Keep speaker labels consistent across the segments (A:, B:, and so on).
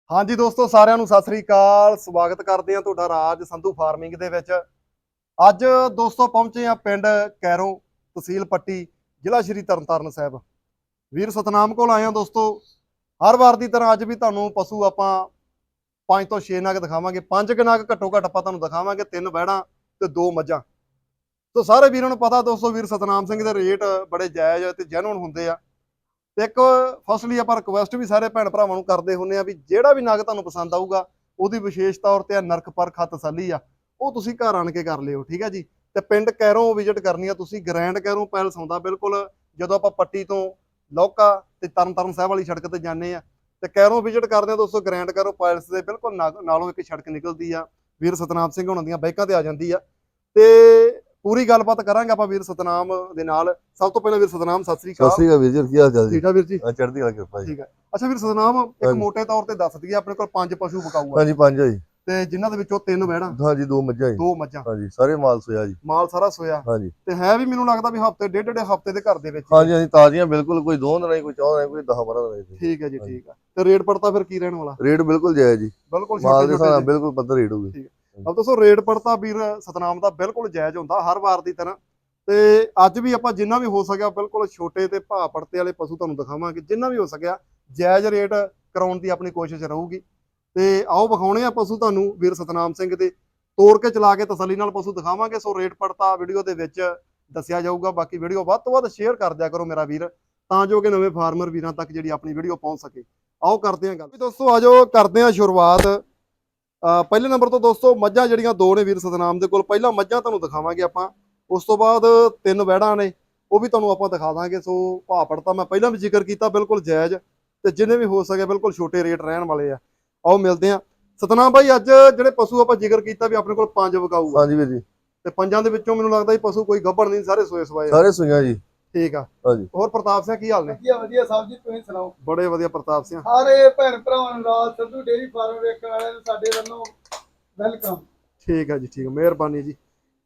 A: ਹਾਂਜੀ ਦੋਸਤੋ, ਸਾਰਿਆਂ ਨੂੰ ਸਤਿ ਸ੍ਰੀ ਅਕਾਲ। ਸਵਾਗਤ ਕਰਦੇ ਹਾਂ ਤੁਹਾਡਾ ਰਾਜ ਸੰਧੂ ਫਾਰਮਿੰਗ ਦੇ ਵਿੱਚ। ਅੱਜ ਦੋਸਤੋ ਪਹੁੰਚੇ ਆ ਪਿੰਡ ਕੈਰੋਂ, ਤਹਿਸੀਲ ਪੱਟੀ, ਜ਼ਿਲ੍ਹਾ ਸ਼੍ਰੀ ਤਰਨਤਾਰਨ ਸਾਹਿਬ। ਵੀਰ ਸਤਨਾਮ ਕੋਲ ਆਏ ਆ ਦੋਸਤੋ। ਹਰ ਵਾਰ ਦੀ ਤਰ੍ਹਾਂ ਅੱਜ ਵੀ ਤੁਹਾਨੂੰ ਪਸ਼ੂ ਆਪਾਂ 5 ਤੋਂ 6 ਨਗ ਦਿਖਾਵਾਂਗੇ। 5 ਨਗ ਘੱਟੋ ਘੱਟ ਆਪਾਂ ਤੁਹਾਨੂੰ ਦਿਖਾਵਾਂਗੇ, 3 ਵਹਿੜਾਂ ਤੇ 2 ਮੱਝਾਂ। ਤੋ ਸਾਰੇ ਵੀਰਾਂ ਨੂੰ ਪਤਾ ਦੋਸਤੋ, ਵੀਰ ਸਤਨਾਮ ਸਿੰਘ ਦੇ ਰੇਟ ਬੜੇ ਜਾਇਜ਼ ਤੇ ਜੈਨੂਨ ਹੁੰਦੇ ਆ। ਤੇ ਇੱਕ ਫਸਲੀ ਆਪਾਂ ਰਿਕੁਐਸਟ ਵੀ ਸਾਰੇ ਭੈਣ ਭਰਾਵਾਂ ਨੂੰ ਕਰਦੇ ਹੁੰਦੇ ਆ ਵੀ ਜਿਹੜਾ ਵੀ ਨਗ ਤੁਹਾਨੂੰ ਪਸੰਦ ਆਊਗਾ, ਉਹਦੀ ਵਿਸ਼ੇਸ਼ ਤੌਰ ਤੇ ਨਰਕ ਪਰਖ ਤਸੱਲੀ ਆ, ਉਹ ਤੁਸੀਂ ਘਰ ਆਣ ਕੇ ਕਰ ਲਿਓ, ਠੀਕ ਹੈ ਜੀ। ਤੇ ਪਿੰਡ ਕੈਰੋਂ ਵਿਜ਼ਿਟ ਕਰਨੀ ਆ ਤੁਸੀਂ। ਗ੍ਰੈਂਡ ਕੈਰੋਂ ਪੈਲਸ ਆਉਂਦਾ ਬਿਲਕੁਲ ਜਦੋਂ ਆਪਾਂ ਪੱਟੀ ਤੋਂ ਲੌਕਾ ਤੇ ਤਰਨਤਾਰਨ ਸਾਹਿਬ ਵਾਲੀ ਸੜਕ ਤੇ ਜਾਂਦੇ ਆ, ਤੇ ਕੈਰੋਂ ਵਿਜ਼ਿਟ ਕਰਦੇ ਆ ਦੋਸਤੋ। ਗ੍ਰੈਂਡ ਕੈਰੋਂ ਪੈਲਸ ਦੇ ਬਿਲਕੁਲ ਨਾਲੋਂ ਇੱਕ ਸੜਕ ਨਿਕਲਦੀ ਆ, ਵੀਰ ਸਤਨਾਮ ਸਿੰਘ ਹੋਣਾ ਦੀਆਂ ਬਾਈਕਾਂ ਤੇ ਆ ਜਾਂਦੀ ਆ। ਤੇ ਪੂਰੀ ਗੱਲਬਾਤ ਕਰਾਂਗੇ ਆਪਾਂ ਵੀਰ ਸਤਨਾਮ ਦੇ ਨਾਲ। ਸਭ ਤੋਂ ਪਹਿਲਾਂ ਵੀਰ ਸਤਨਾਮ ਸਤਿ ਸ੍ਰੀ
B: ਸਤਿ
A: ਅਕਾਲ।
B: ਸ੍ਰੀ ਅਕਾਲ ਵੀਰ ਜੀ, ਕੀ ਹਾਲ ਚਾਲ ਜੀ?
A: ਠੀਕ ਆ ਵੀਰ ਜੀ।
B: ਚੜ੍ਹਦੀ ਕਲਾ ਕਿਰਪਾ ਜੀ।
A: ਠੀਕ ਹੈ। ਅੱਛਾ ਵੀਰ ਸਤਨਾਮ, ਇੱਕ
B: ਹਾਂਜੀ
A: ਮੋਟੇ ਤੌਰ ਤੇ ਦੱਸ ਦਈਏ, ਆਪਣੇ ਕੋਲ 5 ਪਸ਼ੂ ਬਕਾਊ ਆ
B: ਹਾਂਜੀ, ਪੰਜ ਆ ਜੀ।
A: ਤੇ ਜਿਨ੍ਹਾਂ ਦੇ ਵਿੱਚੋਂ 3 ਵਹਿੜਾਂ,
B: ਹਾਂਜੀ, 2 ਮੱਝਾਂ ਜੀ।
A: 2 ਮੱਝਾਂ,
B: ਹਾਂਜੀ, ਸਾਰੇ ਮਾਲ ਸੋਇਆ ਜੀ।
A: ਮਾਲ ਸਾਰਾ ਸੋਇਆ।
B: ਹਾਂਜੀ
A: ਤੇ ਹੈ ਵੀ ਮੈਨੂੰ ਲੱਗਦਾ ਵੀ ਹਫਤੇ ਡੇਢ ਹਫਤੇ ਦੇ ਘਰ ਦੇ ਵਿੱਚ ਹੀ ਆ।
B: ਹਾਂਜੀ ਹਾਂਜੀ, ਤਾਜ਼ੀਆਂ ਬਿਲਕੁਲ, ਕੋਈ 2 ਦਿਨਾਂ ਦੀ, ਕੋਈ 4 ਦਿਨਾਂ ਦੀ, ਕੋਈ 10-12 ਦਿਨਾਂ ਦੀ।
A: ਠੀਕ ਹੈ ਜੀ,
B: ਹਾਂਜੀ।
A: ਠੀਕ ਆ। ਤੇ ਰੇਟ ਪੜਤਾ ਫਿਰ ਕੀ ਰਹਿਣ ਵਾਲਾ?
B: ਰੇਟ ਬਿਲਕੁਲ ਜਾਇਜ਼ ਜੀ।
A: ਬਿਲਕੁਲ ਛੋਟੇ
B: ਮਾਲ ਦੇ ਹਿਸਾਬ
A: ਛੋਟੇ
B: ਨਾਲ
A: ਜਿਹੇ।
B: ਬਿਲਕੁਲ ਪੱਧਰ ਰੇਟ ਹੋਊਗੀ।
A: ਠੀਕ ਹੈ। ਅਬ ਦੋਸਤੋ, ਰੇਟ ਪੜਤਾ ਵੀਰ ਸਤਨਾਮ ਦਾ ਬਿਲਕੁਲ ਜਾਇਜ਼ ਹੁੰਦਾ ਹਰ ਵਾਰ ਦੀ ਤਰ੍ਹਾਂ। ਤੇ ਅੱਜ ਵੀ ਆਪਾਂ ਜਿੰਨਾ ਵੀ ਹੋ ਸਕਿਆ ਬਿਲਕੁਲ ਛੋਟੇ ਤੇ ਭਾਅ ਪੜਤੇ ਵਾਲੇ ਪਸ਼ੂ ਤੁਹਾਨੂੰ ਦਿਖਾਵਾਂਗੇ, ਜਿੰਨਾ ਵੀ ਹੋ ਸਕਿਆ ਜਾਇਜ਼ ਰੇਟ ਕਰਾਉਣ ਦੀ ਆਪਣੀ ਕੋਸ਼ਿਸ਼ ਰਹੂਗੀ। ਤੇ ਆਓ ਵਿਖਾਉਣੇ ਆ ਪਸ਼ੂ ਤੁਹਾਨੂੰ ਵੀਰ ਸਤਨਾਮ ਸਿੰਘ ਦੇ, ਤੋੜ ਕੇ ਚਲਾ ਕੇ ਤਸੱਲੀ ਨਾਲ ਪਸ਼ੂ ਦਿਖਾਵਾਂਗੇ। ਸੋ ਰੇਟ ਪੜਤਾ ਵੀਡੀਓ ਦੇ ਵਿੱਚ ਦੱਸਿਆ ਜਾਊਗਾ। ਬਾਕੀ ਵੀਡੀਓ ਵੱਧ ਤੋਂ ਵੱਧ ਸ਼ੇਅਰ ਕਰ ਦਿਆ ਕਰੋ ਮੇਰਾ ਵੀਰ, ਤਾਂ ਜੋ ਕਿ ਨਵੇਂ ਫਾਰਮਰ ਵੀਰਾਂ ਤੱਕ ਜਿਹੜੀ ਆਪਣੀ ਵੀਡੀਓ ਪਹੁੰਚ ਸਕੇ। ਆਓ ਕਰਦੇ ਹਾਂ ਗੱਲ ਵੀ ਦੋਸਤੋ, ਆਜੋ ਕਰਦੇ ਹਾਂ ਸ਼ੁਰੂਆਤ। ਪਹਿਲੇ ਨੰਬਰ ਤੋਂ ਦੋਸਤੋ ਮੱਝਾਂ ਜਿਹੜੀਆਂ 2 ਨੇ ਵੀਰ ਸਤਨਾਮ ਦੇ ਕੋਲ। ਪਹਿਲਾਂ ਮੱਝਾਂ ਤੁਹਾਨੂੰ ਦਿਖਾਵਾਂਗੇ ਆਪਾਂ, ਉਸ ਤੋਂ ਬਾਅਦ 3 ਵਹਿੜਾਂ ਨੇ, ਉਹ ਵੀ ਤੁਹਾਨੂੰ ਆਪਾਂ ਦਿਖਾ ਦਾਂਗੇ। ਸੋ ਭਾਅ ਪੜਤਾ ਮੈਂ ਪਹਿਲਾਂ ਵੀ ਜ਼ਿਕਰ ਕੀਤਾ, ਬਿਲਕੁਲ ਜਾਇਜ਼ ਤੇ ਜਿੰਨੇ ਵੀ ਹੋ ਸਕੇ ਬਿਲਕੁਲ ਛੋਟੇ ਰੇਟ ਰਹਿਣ ਵਾਲੇ ਆ। ਆਓ ਮਿਲਦੇ ਆ ਸਤਨਾਮ ਭਾਈ। ਅੱਜ ਜਿਹੜੇ ਪਸ਼ੂ ਆਪਾਂ ਜ਼ਿਕਰ ਕੀਤਾ ਵੀ ਆਪਣੇ ਕੋਲ 5 ਵਿਕਾਊ ਆ,
B: ਹਾਂਜੀ ਵੀਰ ਜੀ।
A: ਤੇ 5 ਦੇ ਵਿੱਚੋਂ ਮੈਨੂੰ ਲੱਗਦਾ ਪਸ਼ੂ ਕੋਈ ਗੱਭਣ ਨਹੀਂ, ਸਾਰੇ ਸੋਏ ਸਵਾਏ ਆ।
B: ਸਾਰੇ ਸੂਈਆਂ ਜੀ।
A: ਠੀਕ ਆ।
B: ਹਾਂਜੀ
A: ਹੋਰ ਪ੍ਰਤਾਪ ਸਿੰਘ ਕੀ ਹਾਲ ਨੇ?
C: ਵਧੀਆ ਵਧੀਆ ਸਾਹਿਬ ਜੀ, ਤੁਸੀਂ ਸੁਣਾਓ?
A: ਬੜੇ ਵਧੀਆ ਪ੍ਰਤਾਪ ਸਿੰਘ।
C: ਸਾਰੇ ਭੈਣ ਭਰਾਵਾਂ ਨੂੰ ਰਾਜ ਸੰਧੂ ਡੇਅਰੀ ਫਾਰਮ ਵੇਖਣ ਵਾਲਿਆਂ ਨੂੰ ਸਾਡੇ ਵੱਲੋਂ ਵੈਲਕਮ।
A: ਠੀਕ ਆ ਜੀ, ਠੀਕ ਆ, ਮਿਹਰਬਾਨੀ ਜੀ।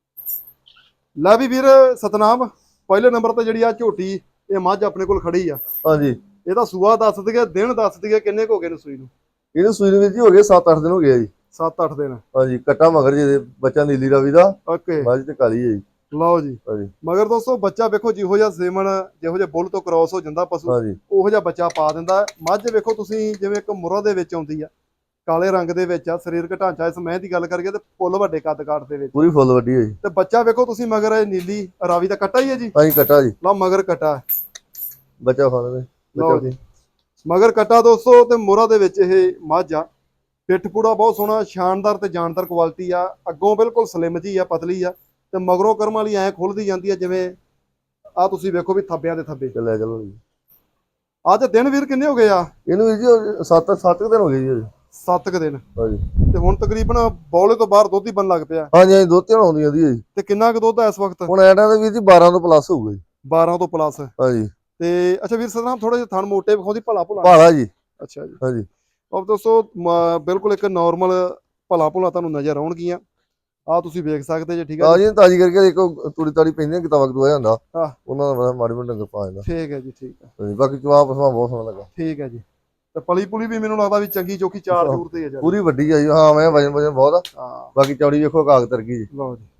A: ਲੈ ਵੀ ਵੀਰ ਸਤਨਾਮ, ਪਹਿਲੇ ਨੰਬਰ ਤੇ ਜਿਹੜੀ ਆ ਝੋਟੀ, ਇਹ ਮੱਝ ਆਪਣੇ ਕੋਲ ਖੜੀ ਆ।
B: ਹਾਂਜੀ,
A: ਇਹਦਾ ਸੂਆ ਦੱਸ ਦਈਏ, ਦਿਨ ਦੱਸ ਦਈਏ, ਕਿੰਨੇ ਕੁ ਹੋ ਗਏ ਨੇ ਸੂਈ ਨੂੰ?
B: ਇਹਨੂੰ ਸੂਈ ਨੂੰ ਵੀਰ ਜੀ ਹੋ ਗਏ 7-8 ਦਿਨ ਹੋ ਗਏ ਆ ਜੀ।
A: 7-8 ਦਿਨ।
B: ਹਾਂਜੀ, ਕੱਟਾ ਮਗਰ ਜੀ ਇਹਦੇ, ਬੱਚਾ ਨੀਲੀ ਰਾਵੀ ਦਾ,
A: ਓਕੇ,
B: ਮੱਝ ਤੇ ਕਾਲੀ ਹੈ ਜੀ।
A: ਲਓ ਜੀ।
B: ਹਾਂਜੀ
A: ਮਗਰ ਦੋਸਤੋ ਬੱਚਾ ਵੇਖੋ, ਜਿਹੋ ਜਿਹਾ ਸੇਮਨ, ਜਿਹੋ ਜਿਹਾ ਬੁੱਲ ਤੋਂ ਕ੍ਰਾਸ ਹੋ ਜਾਂਦਾ ਪਸ਼ੂ,
B: ਹਾਂਜੀ
A: ਉਹੋ ਜਿਹਾ ਬੱਚਾ ਪਾ ਦਿੰਦਾ। ਮੱਝ ਵੇਖੋ ਤੁਸੀਂ, ਜਿਵੇਂ ਇੱਕ ਮੁਰਾ ਦੇ ਵਿੱਚ ਆਉਂਦੀ ਆ, ਕਾਲੇ ਰੰਗ ਦੇ ਵਿੱਚ ਆ, ਸਰੀਰਕ ਢਾਂਚਾ ਇਸ ਮੈਂ ਦੀ ਗੱਲ ਕਰੀਏ ਤੇ ਫੁੱਲ ਵੱਡੇ ਕੱਦ ਕਾਠ ਦੇ ਵਿੱਚ।
B: ਪੂਰੀ ਫੁੱਲ ਵੱਡੀ ਹੈ ਜੀ।
A: ਤੇ ਬੱਚਾ ਵੇਖੋ ਤੁਸੀਂ ਮਗਰ, ਇਹ ਨੀਲੀ ਰਾਵੀ ਦਾ ਕੱਟਾ ਹੀ ਹੈ ਜੀ।
B: ਹਾਂਜੀ, ਕੱਟਾ ਜੀ,
A: ਲਓ ਮਗਰ ਕੱਟਾ,
B: ਬੱਚਾ ਖਾਣਾ ਦੇ
A: ਲਓ ਜੀ ਮਗਰ ਕੱਟਾ ਦੋਸਤੋ। ਤੇ ਮੋਹਰਾ ਦੇ ਵਿੱਚ ਇਹ ਮੱਝ ਆ। ਪਿੱਠ ਪੂੜਾ ਬਹੁਤ ਸੋਹਣਾ, ਸ਼ਾਨਦਾਰ ਤੇ ਜਾਨਦਾਰ ਕੁਆਲਿਟੀ ਆ। ਅੱਗੋਂ ਬਿਲਕੁਲ ਸਲਿਮ ਜੀ ਆ, ਪਤਲੀ ਆ, ਤੇ ਮਗਰੋਂ ਕਰਮ ਵਾਲੀ ਐ ਖੁੱਲਦੀ ਜਾਂਦੀ ਆ, ਜਿਵੇਂ ਆ ਤੁਸੀਂ ਵੇਖੋ ਵੀ ਥੱਬਿਆਂ ਦੇ ਥੱਬੇ।
B: ਚੱਲਿਆ ਚਲੋ ਜੀ।
A: ਅੱਜ ਦਿਨ ਵੀਰ ਕਿੰਨੇ ਹੋ ਗਏ ਆ?
B: ਇਹਨੂੰ ਵੀਰ ਜੀ 7 ਦਿਨ ਹੋ ਗਏ ਜੀ।
A: 7 ਕੁ ਦਿਨ।
B: ਹਾਂਜੀ
A: ਤੇ ਹੁਣ ਤਕਰੀਬਨ ਬੌਲੇ ਤੋਂ ਬਾਹਰ ਦੁੱਧ ਹੀ ਬਣ ਲੱਗ ਪਿਆ।
B: ਹਾਂਜੀ ਹਾਂਜੀ, ਦੋ ਤਿੰਨ ਆਉਂਦੀਆਂ ਦੀ ਜੀ।
A: ਤੇ ਕਿੰਨਾ ਕੁ ਦੁੱਧ ਆ ਇਸ ਵਕਤ?
B: ਹੁਣ ਐਡਾ ਦੇ ਵੀਰ ਜੀ 12 ਤੋਂ ਪਲੱਸ ਹੋਊਗਾ ਜੀ।
A: 12 ਤੋਂ ਪਲੱਸ।
B: ਹਾਂਜੀ।
A: ਤੇ ਅੱਛਾ ਵੀਰ ਸਤਨਾਮ, ਥੋੜੇ ਜਿਹੇ ਥਣ ਮੋਟੇ ਵਿਖਾਉਂਦੀ, ਭਲਾ ਭੁਲਾ।
B: ਭਾਲਾ ਜੀ।
A: ਅੱਛਾ ਜੀ।
B: ਹਾਂਜੀ
A: ਉਹ ਦੋਸਤੋ ਬਿਲਕੁਲ ਇੱਕ ਨਾਰਮਲ ਭਲਾ ਭੁਲਾ ਤੁਹਾਨੂੰ ਨਜ਼ਰ ਆਉਣਗੀਆਂ। ਆ ਤੁਸੀਂ ਵੇਖ ਸਕਦੇ ਜੇ, ਠੀਕ ਹੈ ਜੀ।
B: ਤਾਜੀ ਕਰਕੇ ਦੇਖੋ, ਤੂੜੀ ਤਾੜੀ ਪੈਂਦੀਆਂ, ਕਿਤਾਬਾਂ ਕਤੂਆ ਜਾਂਦਾ
A: ਹਾਂ,
B: ਉਹਨਾਂ ਦਾ ਮਾੜੀ ਮੋਟੀ ਡੰਗਰ ਪਾ ਜਾਂਦਾ।
A: ਠੀਕ ਹੈ ਜੀ, ਠੀਕ ਹੈ।
B: ਹਾਂਜੀ, ਬਾਕੀ ਜਵਾਬ ਪਸਮਾ ਬਹੁਤ ਸੋਹਣਾ ਲੱਗਾ।
A: ਠੀਕ ਹੈ ਜੀ। ਤੇ ਪਲੀ ਪੁਲੀ ਵੀ ਮੈਨੂੰ ਲੱਗਦਾ ਵੀ ਚੰਗੀ ਚੋਖੀ, ਚਾਰ ਚੂਰ ਤੇ ਹੈ ਜੀ।
B: ਪੂਰੀ ਵੱਡੀ ਆ ਜੀ। ਹਾਂ, ਮੈਂ ਵਜਨ ਬਹੁਤ ਆ।
A: ਹਾਂ,
B: ਬਾਕੀ ਚੌੜੀ ਵੇਖੋ, ਕਾਗ ਤਰਗੀ ਜੀ।
A: ਲਓ ਜੀ।